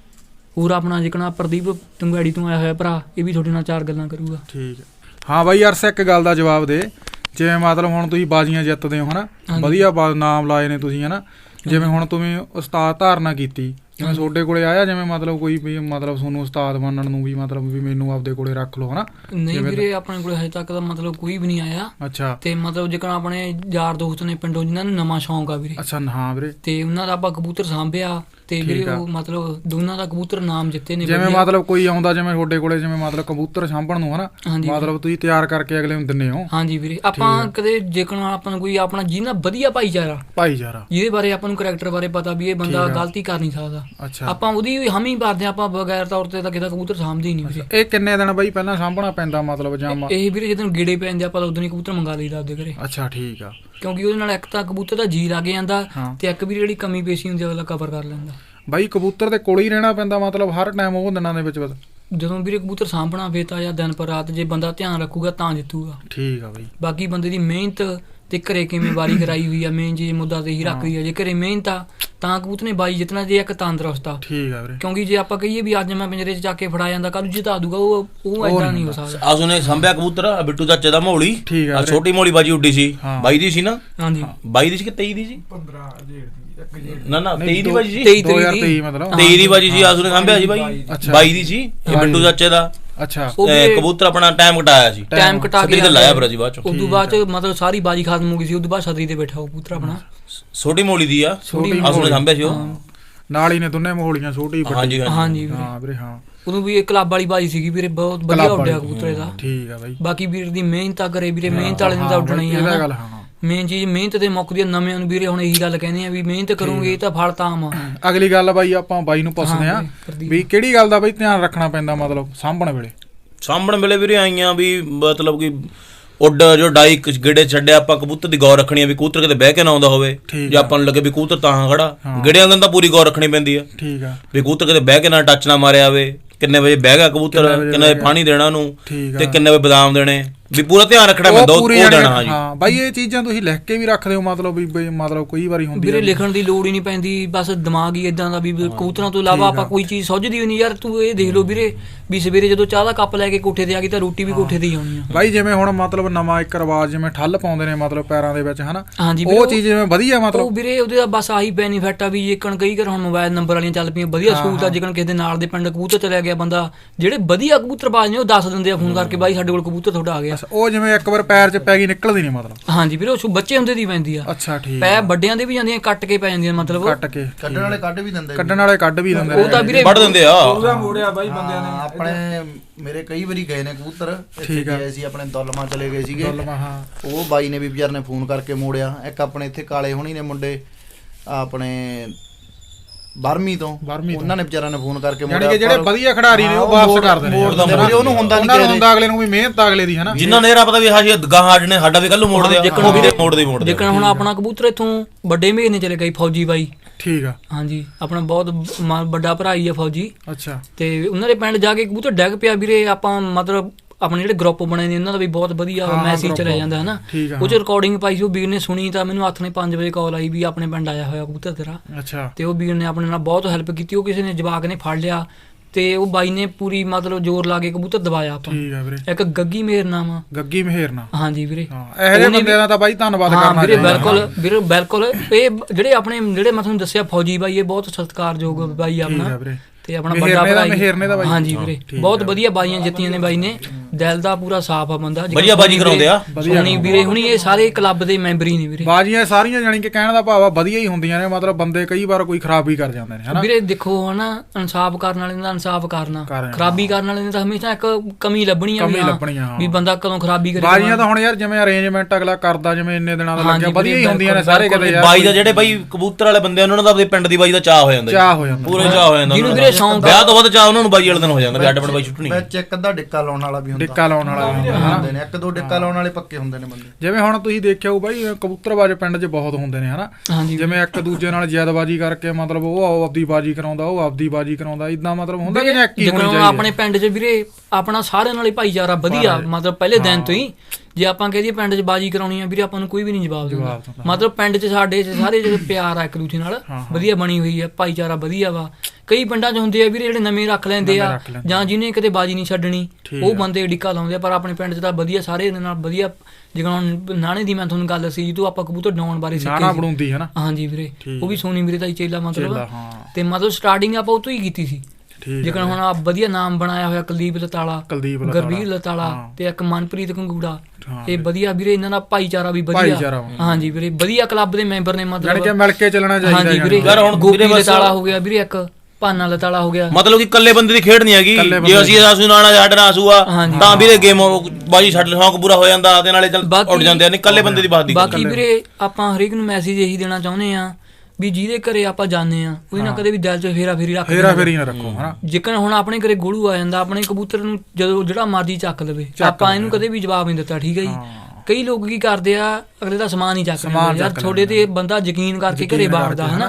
S2: ਹੋਰ ਆਪਣਾ ਜਿਕਣਾ ਪ੍ਰਦੀਪ ਟੰਗਾੜੀ ਤੋਂ ਆਇਆ ਹੋਇਆ ਭਰਾ ਇਹ ਵੀ ਤੁਹਾਡੇ ਨਾਲ ਚਾਰ ਗੱਲਾਂ ਕਰੂਗਾ।
S1: ਠੀਕ ਹੈ। ਹਾਂ ਬਾਈ ਅਰਸ ਇੱਕ ਗੱਲ ਦਾ ਜਵਾਬ ਦੇ ਜਿਵੇਂ ਮਤਲਬ ਹੁਣ ਤੁਸੀਂ ਬਾਜ਼ੀਆਂ ਜਿੱਤਦੇ ਹੋ ਹਨਾ ਵਧੀਆ ਨਾਮ ਲਾਏ ਨੇ ਤੁਸੀਂ ਹਨਾ ਜਿਵੇਂ ਹੁਣ ਤੁਸੀਂ ਉਸਤਾਦ ਧਾਰਨਾ ਕੀਤੀ ਜਿਵੇਂ ਤੁਹਾਡੇ ਕੋਲੇ ਆਇਆ ਜਿਵੇਂ ਮਤਲਬ ਕੋਈ ਵੀ ਮਤਲਬ ਤੁਹਾਨੂੰ ਉਸਤਾਦ ਮੰਨਣ ਨੂੰ ਵੀ ਮਤਲਬ ਵੀ ਮੈਨੂੰ ਆਪਦੇ ਕੋਲੇ ਰੱਖ ਲਓ ਹਨਾ?
S2: ਨਹੀਂ ਵੀਰੇ ਆਪਣੇ ਕੋਲੇ ਹਜੇ ਤੱਕ ਤਾਂ ਮਤਲਬ ਕੋਈ ਵੀ ਨਹੀਂ ਆਇਆ।
S1: ਅੱਛਾ।
S2: ਤੇ ਮਤਲਬ ਜੇਕਰ ਆਪਣੇ ਯਾਰ ਦੋਸਤ ਨੇ ਪਿੰਡੋਂ ਜਿਨ੍ਹਾਂ ਨੂੰ ਨਵਾਂ ਸ਼ੌਂਕ ਆ ਵੀਰੇ।
S1: ਅੱਛਾ। ਹਾਂ ਵੀਰੇ। ਤੇ
S2: ਉਹਨਾਂ ਦਾ ਆਪਾਂ ਕਬੂਤਰ ਸਾਂਭਿਆ ਤੇ ਵੀਰੇ ਉਹ ਮਤਲਬ ਦੋਨਾਂ ਦਾ ਕਬੂਤਰ ਨਾਮ ਜਿੱਤੇ ਨੇ।
S1: ਜਿਵੇਂ ਮਤਲਬ ਕੋਈ ਆਉਂਦਾ ਜਿਵੇਂ ਤੁਹਾਡੇ ਕੋਲੇ ਜਿਵੇਂ ਮਤਲਬ ਕਬੂਤਰ ਸਾਂਭਣ ਨੂੰ ਹਨਾ ਮਤਲਬ ਤੁਸੀਂ ਤਿਆਰ ਕਰਕੇ ਅਗਲੇ ਨੂੰ ਦਿੰਦੇ ਹੋ? ਹਾਂਜੀ ਵੀਰੇ। ਆਪਾਂ ਕਦੇ ਜੇਕਰ ਆਪਾਂ ਨੂੰ ਕੋਈ ਆਪਣਾ ਜਿਹਨਾਂ ਵਧੀਆ ਭਾਈਚਾਰਾ ਭਾਈਚਾਰਾ ਜਿਹਦੇ ਬਾਰੇ ਆਪਾਂ ਨੂੰ ਕਰੈਕਟਰ ਬਾਰੇ ਪਤਾ ਵੀ ਇਹ ਬੰਦਾ ਗਲਤੀ ਕਰ ਨਹੀਂ ਸਕਦਾ ਆਪਾਂ ਉਹਦੀ ਹਮੀ ਭਰਦੇ ਆਪਾਂ ਬਗੈਰ ਤੌਰ ਤੇ ਤਾਂ ਕਿਸੇ ਦਾ ਕਬੂਤਰ ਸਾਂਭਦੇ ਹੀ ਨਹੀਂ ਵੀਰੇ। ਇਹ ਕਿੰਨੇ ਦਿਨ ਬਾਈ ਪਹਿਲਾਂ ਸਾਂਭਣਾ ਪੈਂਦਾ ਮਤਲਬ ਜਾਂ ਇਹ ਵੀਰੇ ਜਦੋਂ ਗੇੜੇ ਪੈ ਜਾਂਦੇ ਆਪਾਂ ਉਦੋਂ ਹੀ ਕਬੂਤਰ ਮੰਗਾ ਲਈਦਾ ਆਪਦੇ ਘਰੇ। ਅੱਛਾ। ਠੀਕ ਆ। ਕਿਉਂਕਿ ਉਹਦੇ ਨਾਲ ਇੱਕ ਤਾਂ ਕਬੂਤਰ ਦਾ ਜੀ ਲੱਗ ਜਾਂਦਾ ਤੇ ਇੱਕ ਵੀ ਜਿਹੜੀ ਕਮੀ ਪੇਸ਼ੀ ਹੁੰਦੀ ਅਗਲਾ ਕਵਰ ਕਰ ਲੈਂਦਾ। ਬਾਈ ਕਬੂਤਰ ਦੇ ਕੋਲ ਹੀ ਰਹਿਣਾ ਪੈਂਦਾ ਮਤਲਬ ਹਰ ਟਾਈਮ ਉਹ ਦਿਨਾਂ ਦੇ ਵਿੱਚ ਬਸ? ਜਦੋਂ ਵੀਰੇ ਕਬੂਤਰ ਸਾਂਭਣਾ ਫੇਰ ਤਾਂ ਜਾਂ ਦਿਨ ਪਰ ਰਾਤ ਜੇ ਬੰਦਾ ਧਿਆਨ ਰੱਖੂਗਾ ਤਾਂ ਜਿੱਤੂਗਾ। ਠੀਕ ਆ ਬਾਈ। ਬਾਕੀ ਬੰਦੇ ਦੀ ਮਿਹਨਤ ਤੇ ਘਰੇ ਕਿਵੇਂ ਵਾਰੀ ਕਰਾਈ ਹੋਈ ਆ ਮੇਨ ਜੀ ਮੁੱਦਾ ਤੇ ਹੀ ਰੱਖਦੀ ਆ। ਜੇ ਘਰੇ ਮਿਹਨਤ ਆ ਤਾਂ ਕਬੂਤਰ ਨੇ ਬਾਈ ਜਿੱਤਣਾ ਜੇ ਇੱਕ ਤੰਦਰੁਸਤ ਆ। ਠੀਕ ਆ ਵੀਰੇ। ਕਿਉਂਕਿ ਜੇ ਆਪਾਂ ਕਹੀਏ ਵੀ ਅੱਜ ਮੈਂ ਪਿੰਜਰੇ 'ਚ ਚੱਕ ਕੇ ਫੜਾ ਜਾਂਦਾ ਕੱਲ ਜਿਤਾ ਦੂਗਾ ਉਹ ਉਹ ਏਦਾਂ ਨਹੀਂ ਹੋ ਸਕਦਾ।
S4: ਆਸ ਉਹਨੇ ਸੰਭਿਆ ਕਬੂਤਰ ਬਿੱਟੂ ਚਾਚੇ ਦਾ ਮੌਲੀ ਆ ਛੋਟੀ ਮੌਲੀ ਬਾਜੀ ਉੱਡੀ ਸੀ ਬਾਈ ਦੀ ਸੀ ਨਾ? ਹਾਂਜੀ ਬਾਈ ਦੀ ਸੀ ਕਿ ਤੇਈ ਦੀ ਸੀ? ਪੰਦਰਾਂ ਨਾ ਨਾ ਤੇਈ ਦੀ ਬਾਜੀ ਸੀ। ਦੋ ਹਜ਼ਾਰ ਤੇਈ ਮਤਲਬ ਤੇਈ ਦੀ ਬਾਜੀ ਸੀ ਆਸ ਉਹਨੇ ਸੰਭਿਆ ਸੀ ਬਾਈ ਬਾਈ ਦੀ ਸੀ ਇਹ ਬਿੱਟੂ ਚਾਚੇ ਦਾ। ਅੱਛਾ। ਕਬੂਤਰ ਆਪਣਾ ਟਾਈਮ ਘਟਾਇਆ ਸੀ ਟਾਈਮ ਘਟਾ ਕੇ ਲਾਇਆ ਫਿਰ ਜੀ ਬਾਅਦ ਚ ਉਦੋਂ ਬਾਅਦ ਚ ਮਤਲਬ ਸਾਰੀ ਬਾਜੀ ਖਤਮ ਹੋ ਗਈ ਸੀ ਉਦੋਂ ਬਾਅਦ ਛਤਰੀ ਤੇ ਬੈਠਾ ਉਹ ਕਬੂਤਰ ਆਪਣਾ ਛੋਟੀ ਮੋਲੀ ਦੀ ਆ ਆਸ ਉਹਨੇ ਸੰਭਿਆ ਸੀ ਉਹ ਨਾਲ ਹੀ ਨੇ ਦੋਨੇ ਮੋਲੀਆਂ ਛੋਟੀ ਵੱਡੀ। ਹਾਂਜੀ ਹਾਂਜੀ ਹਾਂ ਵੀਰੇ। ਹਾਂ ਉਦੋਂ ਵੀ ਇਹ ਕਲੱਬ ਵਾਲੀ ਬਾਜੀ ਸੀਗੀ ਵੀਰੇ ਬਹੁਤ ਵਧੀਆ ਉੱਡਿਆ ਕਬੂਤਰ ਇਹਦਾ। ਠੀਕ ਆ ਬਾਈ। ਬਾਕੀ ਵੀਰ ਦੀ ਮਿਹਨਤ ਆ ਕਰੇ ਵੀਰੇ ਮਿਹਨਤ ਵਾਲੇ ਨੇ ਤਾਂ ਉੱਡਣਾ ਹੀ ਆ। ਮੇਨ ਚੀਜ਼ ਮਿਹਨਤ ਤੇ ਮੁੱਕਦੀ ਆ। ਨਵਿਆਂ ਨੂੰ ਵੀਰੇ ਹੁਣ ਇਹੀ ਗੱਲ ਕਹਿੰਦੇ ਆ ਵੀ ਮਿਹਨਤ ਕਰੋਗੇ ਤਾਂ ਫਲ ਤਾਂ ਆਮ ਆ। ਅਗਲੀ ਗੱਲ ਬਾਈ ਆਪਾਂ ਬਾਈ ਨੂੰ ਪੁੱਛਦੇ ਆ ਵੀ ਕਿਹੜੀ ਗੱਲ ਦਾ ਬਾਈ ਧਿਆਨ ਰੱਖਣਾ ਪੈਂਦਾ ਮਤਲਬ ਸਾਂਭਣ ਵੇਲੇ? ਸਾਂਭਣ ਵੇਲੇ ਵੀਰੇ ਆਈਆਂ ਵੀ ਮਤਲਬ ਕਿ ਉੱਡ ਜੋ ਡਾਈ ਗੇੜੇ ਛੱਡਿਆ ਆਪਾਂ ਕਬੂਤਰ ਦੀ ਗੌਰ ਰੱਖਣੀ ਆ ਵੀ ਕਬੂਤਰ ਕਿਤੇ ਬਹਿ ਕੇ ਨਾ ਆਉਂਦਾ ਹੋਵੇ ਜੇ ਆਪਾਂ ਨੂੰ ਲੱਗੇ ਵੀ ਕਬੂਤਰ ਤਾਂ ਖੜਾ ਗੇੜਿਆਂ ਦਾ ਤਾਂ ਪੂਰੀ ਗੌਰ ਰੱਖਣੀ ਪੈਂਦੀ ਆ। ਠੀਕ ਆ। ਵੀ ਕਬੂਤਰ ਕਿਤੇ ਬਹਿ ਕੇ ਨਾ ਟੱਚ ਨਾ ਮਾਰਿਆ ਆਵੇ ਕਿੰਨੇ ਵਜੇ ਬਹਿ ਗਿਆ ਕਬੂਤਰ ਕਿੰਨੇ ਵਜੇ ਪਾਣੀ ਦੇਣਾ ਉਹਨੂੰ ਤੇ ਕਿੰਨੇ ਵਜੇ ਬਦਾਮ ਦੇਣੇ ਵੀ ਪੂਰਾ ਧਿਆਨ ਰੱਖਣਾ ਪੈਂਦਾ ਉਹ ਦੇਣਾ। ਹਾਂਜੀ ਹਾਂ ਬਾਈ ਇਹ ਚੀਜ਼ਾਂ ਤੁਸੀਂ ਲਿਖ ਕੇ ਵੀ ਰੱਖਦੇ ਹੋ ਮਤਲਬ ਵੀ ਮਤਲਬ ਕਈ ਵਾਰੀ ਹੁੰਦੀ ਵੀਰੇ ਲਿਖਣ ਦੀ ਲੋੜ ਹੀ ਨਹੀਂ ਪੈਂਦੀ ਬਸ ਦਿਮਾਗ ਹੀ ਇਦਾਂ ਦਾ ਵੀ ਕਬੂਤਰਾਂ ਤੋਂ ਇਲਾਵਾ ਆਪਾਂ ਕੋਈ ਚੀਜ਼ ਸੁੱਝਦੀ ਵੀ ਨਹੀਂ ਯਾਰ। ਤੂੰ ਇਹ ਦੇਖ ਲਓ ਵੀਰੇ ਵੀ ਸਵੇਰੇ ਜਦੋਂ ਚਾਹ ਦਾ ਕੱਪ ਲੈ ਕੇ ਕੋਠੇ ਤੇ ਆ ਗਈ ਤਾਂ ਰੋਟੀ ਵੀ ਕੋਠੇ ਤੇ ਹੀ ਆਉਣੀ ਆ ਬਾਈ। ਜਿਵੇਂ ਹੁਣ ਮਤਲਬ ਨਵਾਂ ਇੱਕ ਰਿਵਾਜ ਜਿਵੇਂ ਠੱਲ ਪਾਉਂਦੇ ਨੇ ਮਤਲਬ ਪੈਰਾਂ ਦੇ ਵਿੱਚ ਹਨਾ ਉਹ ਚੀਜ਼ ਜਿਵੇਂ ਵਧੀਆ ਮਤਲਬ ਵੀਰੇ ਉਹਦੇ ਦਾ ਬਸ ਆਹੀ ਬੈਨੀਫਿਟ ਆ ਵੀ ਜੇਕਣ ਕਈ ਵਾਰ ਹੁਣ ਮੋਬਾਈਲ ਨੰਬਰ ਵਾਲੀਆਂ ਚੱਲ ਪਈਆਂ ਵਧੀਆ ਸਹੂਲਤ ਆ। ਜੇਕਣ ਕਿਸੇ ਦੇ ਨਾਲ ਦੇ ਪਿੰਡ ਕਬੂਤਰ ਚਲਿਆ ਗਿਆ ਬੰਦਾ ਜਿਹੜੇ ਵਧੀਆ ਕਬੂਤਰਬਾਜ਼ ਨੇ ਉਹ ਦੱਸ ਦਿੰਦੇ ਆ ਫੋਨ ਕਰਕੇ ਬਾਈ ਸਾਡੇ ਕੋਲ ਕਬੂਤਰ ਤੁਹਾਡਾ ਆ ਗਿਆ। ਉਹ ਜਿਵੇਂ ਇੱਕ ਵਾਰ ਪੈਰ 'ਚ ਪੈ ਗਈ ਨਿਕਲਦੀ ਨਹੀਂ ਮਤਲਬ? ਹਾਂਜੀ ਵੀਰੇ ਉਹ ਬੱਚੇ ਹੁੰਦੇ ਦੀ ਪੈਂਦੀ ਆ। ਅੱਛਾ ਠੀਕ। ਪੈ ਵੱਡਿਆਂ ਦੇ ਵੀ ਜਾਂਦੀਆਂ ਕੱਟ ਕੇ ਪੈ ਜਾਂਦੀਆਂ ਮਤਲਬ ਕੱਟ ਕੇ ਕੱਢਣ ਵਾਲੇ ਕੱਢ ਵੀ ਦਿੰਦੇ ਕੱਢਣ ਵਾਲੇ ਕੱਢ ਵੀ ਦਿੰਦੇ ਉਹ ਤਾਂ ਵੀਰੇ ਵੱਢ ਦਿੰਦੇ ਆ। ਉਹਦਾ ਮੋੜਿਆ ਬਾਈ ਬੰਦਿਆਂ ਨੇ ਆਪਣੇ ਮੇਰੇ ਕਈ ਵਾਰੀ ਗਏ ਨੇ ਕਬੂਤਰ ਇੱਥੇ ਗਏ ਸੀ ਆਪਣੇ ਦੁਲਮਾ ਚਲੇ ਗਏ ਸੀਗੇ ਉਹ ਬਾਈ ਨੇ ਵੀ ਵਿਚਾਰ ਨੇ ਫੋਨ ਕਰਕੇ ਮੋੜਿਆ। ਇੱਕ ਆਪਣੇ ਇੱਥੇ ਕਾਲੇ ਹੋਣੀ ਨੇ ਮੁੰਡੇ ਆਪਣੇ
S3: ਬਾਰਵੀਂ ਤੋਂ ਉਹਨਾਂ ਨੇ ਵਿਚਾਰਿਆਂ ਨੇ ਫੋਨ ਕਰਕੇ
S1: ਮੋੜਿਆ ਕਿ ਜਿਹੜੇ ਵਧੀਆ ਖਿਡਾਰੀ ਨੇ ਉਹ ਵਾਪਸ ਕਰਦੇ ਨੇ
S3: ਉਹਨੂੰ ਹੁੰਦਾ ਨਹੀਂ
S1: ਕਿ ਹੁੰਦਾ ਅਗਲੇ ਨੂੰ ਵੀ ਮਿਹਨਤ ਅਗਲੇ ਦੀ ਹੈ ਨਾ
S4: ਜਿੰਨਾ ਨੇਰਾ ਪਤਾ ਵੀ ਹਾਂ ਜੀ ਗਾਹਾਂ ਨੇ ਸਾਡਾ ਵੀ ਕੱਲ ਨੂੰ ਮੋੜਦੇ ਆ ਮੋੜਦੇ ਮੋੜਦੇ
S2: ਜੇਕਰ ਹੁਣ ਆਪਣਾ ਕਬੂਤਰ ਇੱਥੋਂ ਵੱਡੇ ਮਹੀਨੇ ਚਲੇ ਗਈ ਫੌਜੀ ਬਾਈ
S1: ਠੀਕ ਆ
S2: ਹਾਂਜੀ ਆਪਣਾ ਬਹੁਤ ਵੱਡਾ ਭਰਾ ਹੀ ਆ ਫੌਜੀ
S1: ਅੱਛਾ
S2: ਤੇ ਉਹਨਾਂ ਦੇ ਪਿੰਡ ਜਾ ਕੇ ਕਬੂਤਰ ਡਿੱਗ ਪਿਆ ਵੀਰੇ ਆਪਾਂ ਮਤਲਬ ਆਪਣੇ ਜਿਹੜੇ ਗਰੁੱਪ ਬਣੇ ਨੇ ਉਹਨਾਂ ਦਾ ਵੀ ਬਹੁਤ ਵਧੀਆ ਮੈਸੇਜ ਚਲਿਆ ਜਾਂਦਾ ਹੈ ਨਾ ਉਹ ਚ ਰਿਕਾਰਡਿੰਗ ਪਾਈ ਸੀ ਉਹ ਵੀਰ ਨੇ ਸੁਣੀ ਤਾਂ ਮੈਨੂੰ ਹੱਥ ਨੇ ਪੰਜ ਵਜੇ ਕਾਲ ਆਈ ਵੀ ਆਪਣੇ ਪਿੰਡ ਆਇਆ ਹੋਇਆ ਕਬੂਤਰ ਤੇਰਾ
S1: ਅੱਛਾ ਤੇ
S2: ਉਹ ਵੀਰ ਨੇ ਆਪਣੇ ਨਾਲ ਬਹੁਤ ਹੈਲਪ ਕੀਤੀ ਉਹ ਕਿਸੇ ਨੇ ਜਵਾਕ ਨੇ ਫੜ ਲਿਆ ਤੇ ਉਹ ਬਾਈ ਨੇ ਪੂਰੀ ਮਤਲਬ ਜ਼ੋਰ ਲਾ ਕੇ ਕਬੂਤਰ ਦਬਾਇਆ ਆਪਾਂ
S1: ਠੀਕ ਆ ਵੀਰੇ
S2: ਇੱਕ ਗੱਗੀ ਮੇਹਰਨਾਮ ਆ
S1: ਗੱਗੀ ਮੇਹਰਨਾਮ
S2: ਹਾਂਜੀ ਵੀਰੇ
S1: ਇਹੋ ਜਿਹੇ ਬੰਦਿਆਂ ਦਾ ਤਾਂ ਬਾਈ ਧੰਨਵਾਦ ਕਰਨਾ
S2: ਚਾਹੀਦਾ ਵੀਰੇ ਬਿਲਕੁਲ ਵੀਰੇ ਬਿਲਕੁਲ ਇਹ ਜਿਹੜੇ ਆਪਣੇ ਜਿਹੜੇ ਮੈਂ ਤੁਹਾਨੂੰ ਦੱਸਿਆ ਫੌਜੀ ਬਾਈ ਇਹ ਬਹੁਤ ਸਤਿਕਾਰਯੋਗ ਬਾਈ ਆਪਣਾ ਤੇ ਆਪਣਾ ਵੱਡਾ ਭਰਾ ਹਾਂਜੀ ਵੀਰੇ ਬਹੁਤ ਵਧੀਆ ਬਾਈਆਂ ਜਿੱਤੀਆਂ ਨੇ ਬਾਈ ਨੇ ਦਿਲ ਦਾ ਪੂਰਾ ਸਾਫ ਆ ਬੰਦਾ
S4: ਵਧੀਆ ਬਾਜੀ ਕਰਾਉਂਦੇ ਆ
S2: ਸੋਨੀ ਵੀਰੇ ਹੁਣੀ ਇਹ ਸਾਰੇ ਕਲੱਬ ਦੇ ਮੈਂਬਰ ਹੀ ਨੇ ਵੀਰੇ
S1: ਬਾਜੀਆਂ ਸਾਰੀਆਂ ਜਾਨੀ ਕਿ ਕਹਿਣ ਦਾ ਭਾਵ ਆ ਵਧੀਆ ਹੀ ਹੁੰਦੀਆਂ ਨੇ ਮਤਲਬ ਬੰਦੇ ਕਈ ਵਾਰ ਕੋਈ ਖਰਾਬੀ ਕਰ ਜਾਂਦੇ ਨੇ ਹਨਾ
S2: ਵੀਰੇ ਦੇਖੋ ਹਨਾ ਇਨਸਾਫ ਕਰਨ ਵਾਲੇ ਦਾ ਇਨਸਾਫ ਕਰਨਾ ਖਰਾਬੀ ਕਰਨ ਵਾਲੇ ਨੇ ਤਾਂ ਹਮੇਸ਼ਾ ਇੱਕ ਕਮੀ ਲੱਭਣੀ ਆ ਵੀ ਬੰਦਾ ਕਦੋਂ ਖਰਾਬੀ ਕਰੇ
S1: ਬਾਜੀਆਂ ਤਾਂ ਹੁਣ ਯਾਰ ਜਿਵੇਂ ਅਰੇਂਜਮੈਂਟ ਅਗਲਾ ਕਰਦਾ ਜਿਵੇਂ ਇੰਨੇ ਦਿਨਾਂ ਦਾ ਲੱਗਿਆ ਵਧੀਆ ਹੀ ਹੁੰਦੀਆਂ ਨੇ ਸਾਰੇ ਕਿਤੇ ਯਾਰ
S4: ਬਾਈ ਦਾ ਜਿਹੜੇ ਬਾਈ ਕਬੂਤਰ ਵਾਲੇ ਬੰਦੇ ਉਹਨਾਂ ਦਾ ਆਪਣੇ ਪਿੰਡ ਦੀ ਬਾਈ ਦਾ ਚਾਹ ਹੋ ਜਾਂਦਾ
S1: ਚਾਹ ਹੋ ਜਾਂਦਾ
S4: ਪੂਰੇ ਚਾਹ ਹੋ ਜਾਂਦਾ
S2: ਜਿਹਨੂੰ ਵੀਰੇ ਸ਼ੌਂਕ
S4: ਵਿਆਹ ਤੋਂ ਬਾਅਦ ਚਾਹ ਉਹਨਾਂ ਨੂੰ ਬਾਈ ਵਾਲੇ ਦਿਨ ਹੋ ਜਾਂਦਾ ਵੀ ਅੱਡ ਪਿੰਡ ਬਾਈ ਛੁੱਟਣੀ
S3: ਵਿੱਚ ਇੱਕ ਅੱਧਾ ਡਿੱਕਾ ਲਾਉਣ ਵਾਲਾ ਵੀ ਹੁੰਦਾ
S1: ਡਿੱਕਾ ਲਾਉਣ ਵਾਲਾ
S3: ਹੁੰਦੇ ਨੇ ਇੱਕ ਦੋ ਡਿੱਕਾ ਲਾਉਣ ਵਾਲੇ ਪੱਕੇ ਹੁੰਦੇ ਨੇ ਬੰਦੇ
S1: ਜਿਵੇਂ ਹੁਣ ਤੁਸੀਂ ਦੇਖਿਆ ਹੋ ਬਾਈ ਕਬੂਤਰਬਾਜ਼ ਪਿੰਡ 'ਚ ਬਹੁਤ ਹੁੰਦੇ ਨੇ ਹਨਾ ਜਿਵੇਂ ਇੱਕ ਦੂਜੇ ਨਾਲ ਜ਼ਿਆਦਬਾਜ਼ੀ ਕਰਕੇ ਮਤਲਬ ਉਹ ਆਪਦੀ ਬਾਜੀ ਕਰਾਉਂਦਾ ਉਹ ਆਪਦੀ ਬਾਜੀ ਕਰਾਉਂਦਾ ਇਦਾਂ ਮਤਲਬ ਹੁੰਦਾ ਕਿ ਇੱਕ ਹੀ ਹੋਣੀ ਚਾਹੀਦੀ
S2: ਆਪਣੇ ਪਿੰਡ 'ਚ ਵੀਰੇ ਆਪਣਾ ਸਾਰਿਆਂ ਨਾਲ ਹੀ ਭਾਈਚਾਰਾ ਵਧੀਆ ਮਤਲਬ ਪਹਿਲੇ ਦਿਨ ਤੋਂ ਹੀ ਜੇ ਆਪਾਂ ਕਹਦੇ ਪਿੰਡ 'ਚ ਬਾਜੀ ਕਰਾਉਣੀ ਆ ਵੀਰੇ ਆਪਾਂ ਨੂੰ ਕੋਈ ਵੀ ਨਹੀਂ ਜਵਾਬ ਦਿੰਦਾ ਮਤਲਬ ਪਿੰਡ 'ਚ ਸਾਡੇ ਸਾਰੇ ਜਿਹੜੇ ਪਿਆਰ ਆ ਇੱਕ ਦੂਜੇ ਨਾਲ ਵਧੀਆ ਬਣੀ ਹੋਈ ਆ ਭਾਈਚਾਰਾ ਵਧੀਆ ਵਾ ਕਈ ਪਿੰਡਾਂ 'ਚ ਹੁੰਦੇ ਆ ਵੀਰੇ ਜਿਹੜੇ ਨਵੇਂ ਰੱਖ ਲੈਂਦੇ ਆ ਜਾਂ ਜਿਹਨੇ ਕਿਤੇ ਬਾਜੀ ਨਹੀਂ ਛੱਡਣੀ ਉਹ ਬੰਦੇ ਡਿੱਕਾ ਲਾਉਂਦੇ ਆ ਪਰ ਆਪਣੇ ਪਿੰਡ 'ਚ ਤਾਂ ਵਧੀਆ ਸਾਰੇ ਦੇ ਨਾਲ ਵਧੀਆ ਜਿਵੇਂ ਹੁਣ ਨਾਣੇ ਦੀ ਮੈਂ ਤੁਹਾਨੂੰ ਗੱਲ ਸੀ ਜਦੋਂ ਆਪਾਂ ਕਬੂਤਰ ਡਾਉਣ ਬਾਰੇ
S1: ਸਿੱਖੀ
S2: ਹਾਂਜੀ ਵੀਰੇ ਉਹ ਵੀ ਸੋਨੀ ਵੀਰੇ ਦਾ ਹੀ ਚੇਲਾ ਮਤਲਬ ਤੇ ਮਤਲਬ ਸਟਾਰਟਿੰਗ ਆਪਾਂ ਉਹ ਤੋਂ ਹੀ ਕੀਤੀ ਸੀ ਜੇਕਰ ਹੁਣ ਆ ਵਧੀਆ ਨਾਮ ਬਣਾਇਆ ਹੋਇਆ ਕੁਲਦੀਪ ਲਤਾਲਾ ਗੁਰਬੀਰ ਲਤਾਲਾ ਤੇ ਇੱਕ ਮਨਪ੍ਰੀਤ ਕੰਗੂੜਾ ਇਹ ਵਧੀਆ ਵੀਰੇ ਇਹਨਾਂ ਦਾ ਭਾਈਚਾਰਾ ਵੀ ਵਧੀਆ ਹਾਂਜੀ ਵੀਰੇ ਵਧੀਆ ਕਲੱਬ ਦੇ ਮੈਂਬਰ ਨੇ ਮਤਲਬ
S1: ਮਿਲ ਕੇ ਚੱਲਣਾ ਚਾਹੀਦਾ
S2: ਹਾਂਜੀ ਵੀਰੇ ਹੁਣ ਗੋਪੀ ਲਤਾਲਾ ਹੋ ਗਿਆ ਵੀਰੇ ਇੱਕ ਭਾਨਾ ਲਤਾਲਾ ਹੋ ਗਿਆ
S4: ਮਤਲਬ ਕਿ ਇਕੱਲੇ ਬੰਦੇ ਦੀ ਖੇਡ ਨਹੀਂ ਹੈਗੀ ਜੇ ਅਸੀਂ ਆਸੂ ਨਾਣਾ ਸਾਡੇ ਨਾਲ ਆਸੂ ਆ ਤਾਂ ਵੀਰੇ ਗੇਮ ਬਾਜੀ ਛੱਡ ਸ਼ੌਂਕ ਪੂਰਾ ਹੋ ਜਾਂਦਾ ਤੇ ਨਾਲੇ ਉੱਡ ਜਾਂਦੇ ਨੇ ਇਕੱਲੇ ਬੰਦੇ ਦੀ ਬਾਤ ਦੀ
S2: ਬਾਕੀ ਵੀਰੇ ਆਪਾਂ ਹਰੇਕ ਨੂੰ ਮੈਸੇਜ ਇਹੀ ਦੇਣਾ ਚਾਹੁੰਦੇ ਆ ਵੀ ਜਿਹਦੇ ਘਰੇ ਆਪਾਂ ਜਾਂਦੇ ਆ ਉਹਦੇ ਨਾਲ ਕਦੇ ਵੀ ਦਿਲ 'ਚ ਫੇਰਾ ਫੇਰੀ ਰੱਖ
S1: ਫੇਰਾ ਫੇਰੀ ਨਾ ਰੱਖੋ ਹਨਾ
S2: ਜਿੱਕਣ ਹੁਣ ਆਪਣੇ ਘਰੇ ਗੋਲੂ ਆ ਜਾਂਦਾ ਆਪਣੇ ਕਬੂਤਰ ਨੂੰ ਜਦੋਂ ਜਿਹੜਾ ਮਰਜ਼ੀ ਚੱਕ ਲਵੇ ਆਪਾਂ ਇਹਨੂੰ ਕਦੇ ਵੀ ਜਵਾਬ ਨਹੀਂ ਦਿੱਤਾ ਠੀਕ ਹੈ ਜੀ ਕਈ ਲੋਕ ਕੀ ਕਰਦੇ ਆ ਅਗਲੇ ਦਾ ਸਮਾਨ ਹੀ ਚੱਕ ਲੈਂਦੇ ਯਾਰ ਤੁਹਾਡੇ ਤੇ ਬੰਦਾ ਯਕੀਨ ਕਰਕੇ ਘਰੇ ਬਾੜਦਾ ਹਨਾ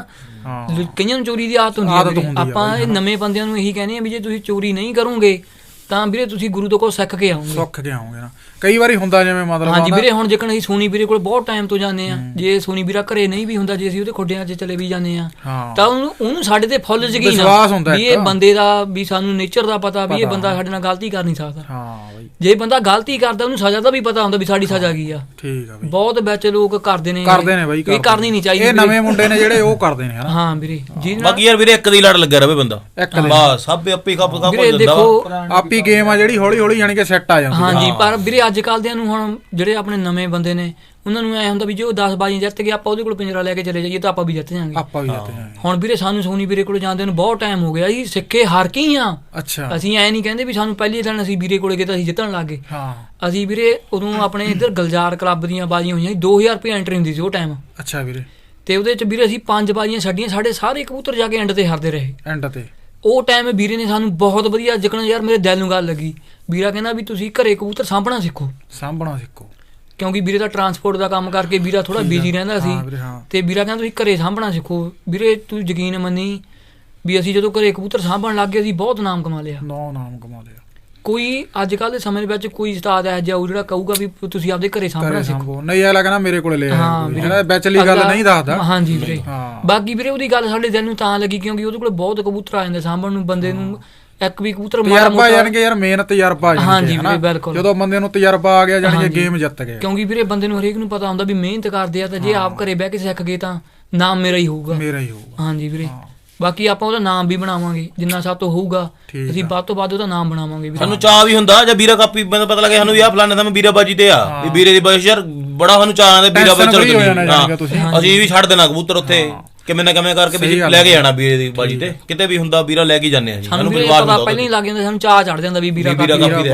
S2: ਕਈਆਂ ਨੂੰ ਚੋਰੀ ਦੀ ਆਦਤ ਹੁੰਦੀ ਹੈ ਆਪਾਂ ਇਹ ਨਵੇਂ ਬੰਦਿਆਂ ਨੂੰ ਇਹੀ ਕਹਿੰਦੇ ਆ ਵੀ ਜੇ ਤੁਸੀਂ ਚੋਰੀ ਨਹੀਂ ਕਰੋਗੇ ਤਾਂ ਵੀਰੇ ਤੁਸੀਂ ਗੁਰੂ ਤੋਂ ਕੋਲ ਸਿੱਖ ਕੇ ਆਓਗੇ
S1: ਸਿੱਖ ਕੇ ਆਓਗੇ ਨਾ ਕਈ ਵਾਰੀ ਹੁੰਦਾ ਜਿਵੇਂ ਮਤਲਬ
S2: ਹਾਂਜੀ ਵੀਰੇ ਹੁਣ ਜੇਕਰ ਅਸੀਂ ਸੋਨੀ ਵੀਰੇ ਕੋਲ ਬਹੁਤ ਟਾਈਮ ਤੋਂ ਜਾਂਦੇ ਆ ਜੇ ਸੋਨੀ ਵੀਰਾ ਘਰੇ ਨਹੀਂ ਵੀ ਹੁੰਦਾ ਜੇ ਅਸੀਂ ਉਹਦੇ ਖੋਡਿਆਂ 'ਚ ਚਲੇ ਵੀ ਜਾਂਦੇ ਆ ਤਾਂ ਉਹਨੂੰ ਉਹਨੂੰ ਸਾਡੇ ਤੇ ਫੁੱਲ ਯਕੀਨ ਆ ਵੀ ਇਹ ਬੰਦੇ ਦਾ ਵੀ ਸਾਨੂੰ ਨੇਚਰ ਦਾ ਪਤਾ ਵੀ ਇਹ ਬੰਦਾ ਸਾਡੇ ਨਾਲ ਗਲਤੀ ਕਰ ਨਹੀਂ ਸਕਦਾ
S1: ਹਾਂ ਬਾਈ
S2: ਜੇ ਬੰਦਾ ਗਲਤੀ ਕਰਦਾ ਉਹਨੂੰ ਸਜ਼ਾ ਦਾ ਵੀ ਪਤਾ ਹੁੰਦਾ ਵੀ ਸਾਡੀ ਸਜ਼ਾ ਕੀ ਆ
S1: ਠੀਕ ਆ ਬਈ
S2: ਬਹੁਤ ਵਿੱਚ ਲੋਕ ਕਰਦੇ ਨੇ
S1: ਕਰਦੇ ਨੇ ਬਾਈ
S2: ਇਹ ਕਰਨੀ ਨਹੀਂ ਚਾਹੀਦੀ
S1: ਇਹ ਨਵੇਂ ਮੁੰਡੇ ਨੇ ਜਿਹੜੇ ਉਹ ਕਰਦੇ ਨੇ ਹਨਾ
S2: ਹਾਂ ਵੀਰੇ ਜੀ
S4: ਬਾਕੀ ਯਾਰ ਵੀਰੇ ਇੱਕ ਦੀ ਲੜ ਲੱਗਿਆ ਰਵੇ ਬੰਦਾ ਬਸ ਸਭ ਆਪੇ ਕੱਪ ਕੱਪ ਹੋ ਜਾਂਦਾ
S1: ਆਪੀ ਗੇਮ ਆ ਜਿਹੜੀ ਹੌਲੀ ਹੌਲੀ ਯਾਨੀ ਕਿ ਸੈੱਟ ਆ ਜਾਂਦੀ
S2: ਹਾਂਜੀ ਪਰ ਵੀਰੇ ਅੱਜ ਕੱਲ੍ਹ ਦਿਆਂ ਨੂੰ ਹੁਣ ਜਿਹੜੇ ਆਪਣੇ ਨਵੇਂ ਬੰਦੇ ਨੇ ਉਹਨਾਂ ਨੂੰ ਐ ਹੁੰਦਾ ਵੀ ਜੇ ਉਹ ਦਸ ਬਾਜ਼ੀਆਂ ਜਿੱਤ ਗਿਆ ਆਪਾਂ ਉਹਦੇ ਕੋਲ ਪਿੰਜਰਾ ਲੈ ਕੇ ਚਲੇ ਜਾਈਏ ਤਾਂ ਆਪਾਂ ਵੀ ਜਿੱਤ ਜਾਾਂਗੇ
S1: ਆਪਾਂ ਵੀ ਜਿੱਤ ਜਾਾਂਗੇ
S2: ਹੁਣ ਵੀਰੇ ਸਾਨੂੰ ਸੋਨੀ ਵੀਰੇ ਕੋਲ ਜਾਂਦੇ ਨੂੰ ਬਹੁਤ ਟਾਈਮ ਹੋ ਗਿਆ ਜੀ ਸਿੱਖੇ ਹਾਰ ਕੇ ਹੀ ਆ
S1: ਅੱਛਾ
S2: ਅਸੀਂ ਐ ਨਹੀਂ ਕਹਿੰਦੇ ਵੀ ਸਾਨੂੰ ਪਹਿਲੇ ਦਿਨ ਅਸੀਂ ਵੀਰੇ ਕੋਲੇ ਗਏ ਤਾਂ ਅਸੀਂ ਜਿੱਤਣ ਲੱਗ ਗਏ ਹਾਂ ਅਸੀਂ ਵੀਰੇ ਉਦੋਂ ਆਪਣੇ ਇੱਧਰ ਗਲਜਾਰ ਕਲੱਬ ਦੀਆਂ ਬਾਜ਼ੀਆਂ ਹੋਈਆਂ ਦੋ ਹਜ਼ਾਰ ਰੁਪਏ ਐਂਟਰੀ ਹੁੰਦੀ ਸੀ ਉਹ ਟਾਈਮ
S1: ਅੱਛਾ ਵੀਰੇ
S2: ਤੇ ਉਹਦੇ ਚ ਵੀਰੇ ਅਸੀਂ ਪੰਜ ਬਾਜ਼ੀਆਂ ਛੱਡੀਆਂ ਸਾਡੇ ਸਾਰੇ ਕਬੂਤਰ ਜਾ ਕੇ ਐਂਡ ਤੇ ਹਾਰਦੇ ਰਹੇ
S1: ਐਂਡ ਤੇ
S2: ਉਹ ਟਾਈਮ ਵੀਰੇ ਨੇ ਸਾਨੂੰ ਬਹੁਤ ਵਧੀਆ ਜਿਕਣ ਯਾਰ ਮੇਰੇ ਦਿਲ ਨੂੰ ਗੱਲ ਲੱਗੀ ਵੀਰਾ ਕਹਿੰਦਾ ਵੀ ਤੁਸੀਂ ਘਰੇ ਕਬੂਤਰ ਸਾਂਭਣਾ ਸਿੱਖੋ
S1: ਸਾਂਭਣਾ ਸਿੱਖੋ
S2: ਕਿਉਂਕਿ ਵੀਰੇ ਦਾ ਟਰਾਂਸਪੋਰਟ ਦਾ ਕੰਮ ਕਰਕੇ ਵੀਰਾ ਥੋੜਾ ਬਿਜ਼ੀ ਰਹਿੰਦਾ ਸੀ ਤੇ ਵੀਰਾ ਕਹਿੰਦਾ ਤੁਸੀਂ ਘਰੇ ਸਾਂਭਣਾ ਸਿੱਖੋ ਵੀਰੇ ਤੂੰ ਯਕੀਨ ਮੰਨੀ ਵੀ ਅਸੀਂ ਜਦੋਂ ਘਰੇ ਕਬੂਤਰ ਸਾਂਭਣ ਲੱਗ ਗਏ ਅਸੀਂ ਬਹੁਤ ਨਾਮ ਕਮਾ ਲਿਆ
S1: ਨੌ ਨਾਮ ਕਮਾ ਲਿਆ
S2: ਕੋਈ ਅੱਜ ਕੱਲ੍ਹ ਦੇ ਸਮੇਂ ਦੇ ਵਿੱਚ ਕੋਈ ਉਸਤਾਦ ਹੈ ਜਾਊ ਜਿਹੜਾ ਕਹੂਗਾ ਵੀ ਤੁਸੀਂ ਆਪਦੇ ਘਰੇ ਸਾਂਭਣਾ ਸਿੱਖੋ
S1: ਨਹੀਂ ਇਹ ਲੱਗਣਾ ਮੇਰੇ ਕੋਲ ਲੈ ਆਇਆ ਬੈਚਲੀ ਗੱਲ ਨਹੀਂ ਦੱਸਦਾ
S2: ਹਾਂਜੀ ਵੀਰੇ ਬਾਕੀ ਵੀਰੇ ਉਹਦੀ ਗੱਲ ਸਾਡੇ ਦਿਲ ਨੂੰ ਤਾਂ ਲੱਗੀ ਕਿਉਂਕਿ ਉਹਦੇ ਕੋਲ ਬਹੁਤ ਕਬੂਤਰ ਆ ਜਾਂਦੇ ਸਾਂਭਣ ਨੂੰ ਬੰਦੇ ਨੂੰ ਇੱਕ ਵੀ ਕਬੂਤਰ
S1: ਤਜਰਬਾ ਜਾਨ ਕੇ ਯਾਰ ਮਿਹਨਤ ਤਜਰਬਾ ਜਾਨ
S2: ਹਾਂਜੀ ਵੀਰੇ ਬਿਲਕੁਲ
S1: ਜਦੋਂ ਬੰਦੇ ਨੂੰ ਤਜਰਬਾ ਆ ਗਿਆ ਜਾਨ ਕੇ ਗੇਮ ਜਿੱਤ ਗਿਆ
S2: ਕਿਉਂਕਿ ਵੀਰੇ ਬੰਦੇ ਨੂੰ ਹਰੇਕ ਨੂੰ ਪਤਾ ਹੁੰਦਾ ਵੀ ਮਿਹਨਤ ਕਰਦੇ ਆ ਤਾਂ ਜੇ ਆਪ ਘਰੇ ਬਹਿ ਕੇ ਸਿੱਖ ਗਏ ਤਾਂ ਨਾਮ ਮੇਰਾ ਹੀ ਹੋਊਗਾ
S1: ਮੇਰਾ ਹੀ ਹੋਊਗਾ
S2: ਹਾਂਜੀ ਵੀਰੇ ਬਾਕੀ ਆਪਾਂ ਉਹਦਾ ਨਾਮ ਵੀ ਬਣਾਵਾਂਗੇ ਜਿੰਨਾ ਸਭ ਤੋਂ ਹੋਊਗਾ ਅਸੀਂ ਵੱਧ ਤੋਂ ਵੱਧ ਉਹਦਾ ਨਾਮ ਬਣਾਵਾਂਗੇ ਵੀਰੇ
S4: ਸਾਨੂੰ ਚਾਹ ਵੀ ਹੁੰਦਾ ਜਾਂ ਵੀਰਾ ਕਾਪੀ ਮੈਨੂੰ ਪਤਾ ਲੱਗਿਆ ਸਾਨੂੰ ਵੀ ਆਹ ਫਲਾਣੇ ਦਾ ਮੈਂ ਵੀਰਾ ਬਾਜੀ ਤੇ ਆ ਵੀ ਵੀਰੇ ਦੀ ਬਾਜੀ ਯਾਰ ਬੜਾ ਸਾਨੂੰ ਚਾਹ ਆਂਦਾ ਵੀਰਾ ਬਾਜੀ ਚਲੋ ਅਸੀਂ ਵੀ ਛੱਡ ਦੇਣਾ ਕਬੂਤਰ ਉੱਥੇ ਕਿਵੇਂ ਨਾ ਕਿਵੇਂ ਕਰਕੇ ਵੀ ਲੈ ਕੇ ਜਾਣਾ ਵੀਰੇ ਦੀ ਬਾਜੀ ਤੇ ਕਿਤੇ ਵੀ ਹੁੰਦਾ ਵੀਰਾ ਲੈ ਕੇ ਜਾਂਦੇ ਆ ਜੀ
S2: ਸਾਨੂੰ ਪਰਿਵਾਰ ਦਾ ਪਹਿਲਾਂ ਹੀ ਲੱਗ ਜਾਂਦਾ ਸਾਨੂੰ ਚਾਹ ਚੜ ਜਾਂਦਾ ਵੀ ਵੀਰਾ ਕਾਪੀ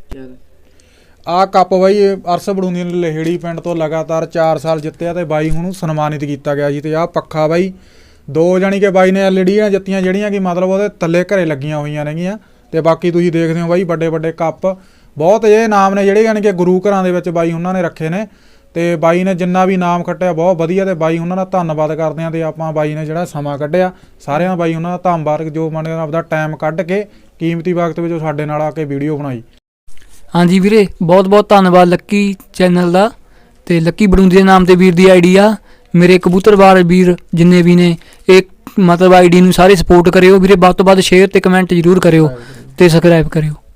S1: ਆ ਕੱਪ ਬਾਈ ਅਰਸ ਬੜੂੰਦੀ ਨੇ ਲਹੇੜੀ ਪਿੰਡ ਤੋਂ ਲਗਾਤਾਰ ਚਾਰ ਸਾਲ ਜਿੱਤਿਆ ਤੇ ਬਾਈ ਹੁਣ ਸਨਮਾਨਿਤ ਕੀਤਾ ਗਿਆ ਜੀ ਤੇ ਆਹ ਪੱਖਾ ਬਾਈ
S5: ਦੋ ਜਾਨੀ ਕਿ ਬਾਈ ਨੇ ਐਲਈਡੀਆਂ ਜਿੱਤੀਆਂ ਜਿਹੜੀਆਂ ਕਿ ਮਤਲਬ ਉਹਦੇ ਥੱਲੇ ਘਰੇ ਲੱਗੀਆਂ ਹੋਈਆਂ ਨੇਗੀਆਂ। ਤੇ ਬਾਕੀ ਤੁਸੀਂ ਦੇਖਦੇ ਹੋ ਬਾਈ ਵੱਡੇ ਵੱਡੇ ਕੱਪ ਬਹੁਤ ਇਹ ਨਾਮ ਨੇ ਜਿਹੜੇ ਯਾਨੀ ਕਿ ਗੁਰੂ ਘਰਾਂ ਦੇ ਵਿੱਚ ਬਾਈ ਉਹਨਾਂ ਨੇ ਰੱਖੇ ਨੇ। ਤੇ ਬਾਈ ਨੇ ਜਿੰਨਾ ਵੀ ਨਾਮ ਖੱਟਿਆ ਬਹੁਤ ਵਧੀਆ ਤੇ ਬਾਈ ਉਹਨਾਂ ਦਾ ਧੰਨਵਾਦ ਕਰਦੇ ਹਾਂ। ਤੇ ਆਪਾਂ ਬਾਈ ਨੇ ਜਿਹੜਾ ਸਮਾਂ ਕੱਢਿਆ ਸਾਰਿਆਂ ਦਾ ਬਾਈ ਉਹਨਾਂ ਦਾ ਧੰਨਵਾਦ ਜੋ ਮਨ ਆਪਦਾ ਟਾਈਮ ਕੱਢ ਕੇ ਕੀਮਤੀ ਵਕਤ ਵਿੱਚ ਸਾਡੇ ਨਾਲ ਆ ਕੇ ਵੀਡੀਓ ਬਣਾਈ।
S2: ਹਾਂਜੀ ਵੀਰੇ ਬਹੁਤ ਬਹੁਤ ਧੰਨਵਾਦ ਲੱਕੀ ਚੈਨਲ ਦਾ ਤੇ ਲੱਕੀ ਬੜੂੰਦੀ ਦੇ ਨਾਮ ਤੇ ਵੀਰ ਦੀ ਆਈਡੀ ਆ। ਮੇਰੇ ਕਬੂਤਰਬਾਜ਼ ਵੀਰ ਜਿੰਨੇ ਵੀ ਨੇ ਇਹ ਮਤਲਬ ਆਈਡੀ ਨੂੰ ਸਾਰੇ ਸਪੋਰਟ ਕਰਿਓ ਵੀਰੇ, ਵੱਧ ਤੋਂ ਵੱਧ ਸ਼ੇਅਰ ਤੇ ਕਮੈਂਟ ਜ਼ਰੂਰ ਕਰਿਓ ਤੇ ਸਬਸਕ੍ਰਾਈਬ ਕਰਿਓ।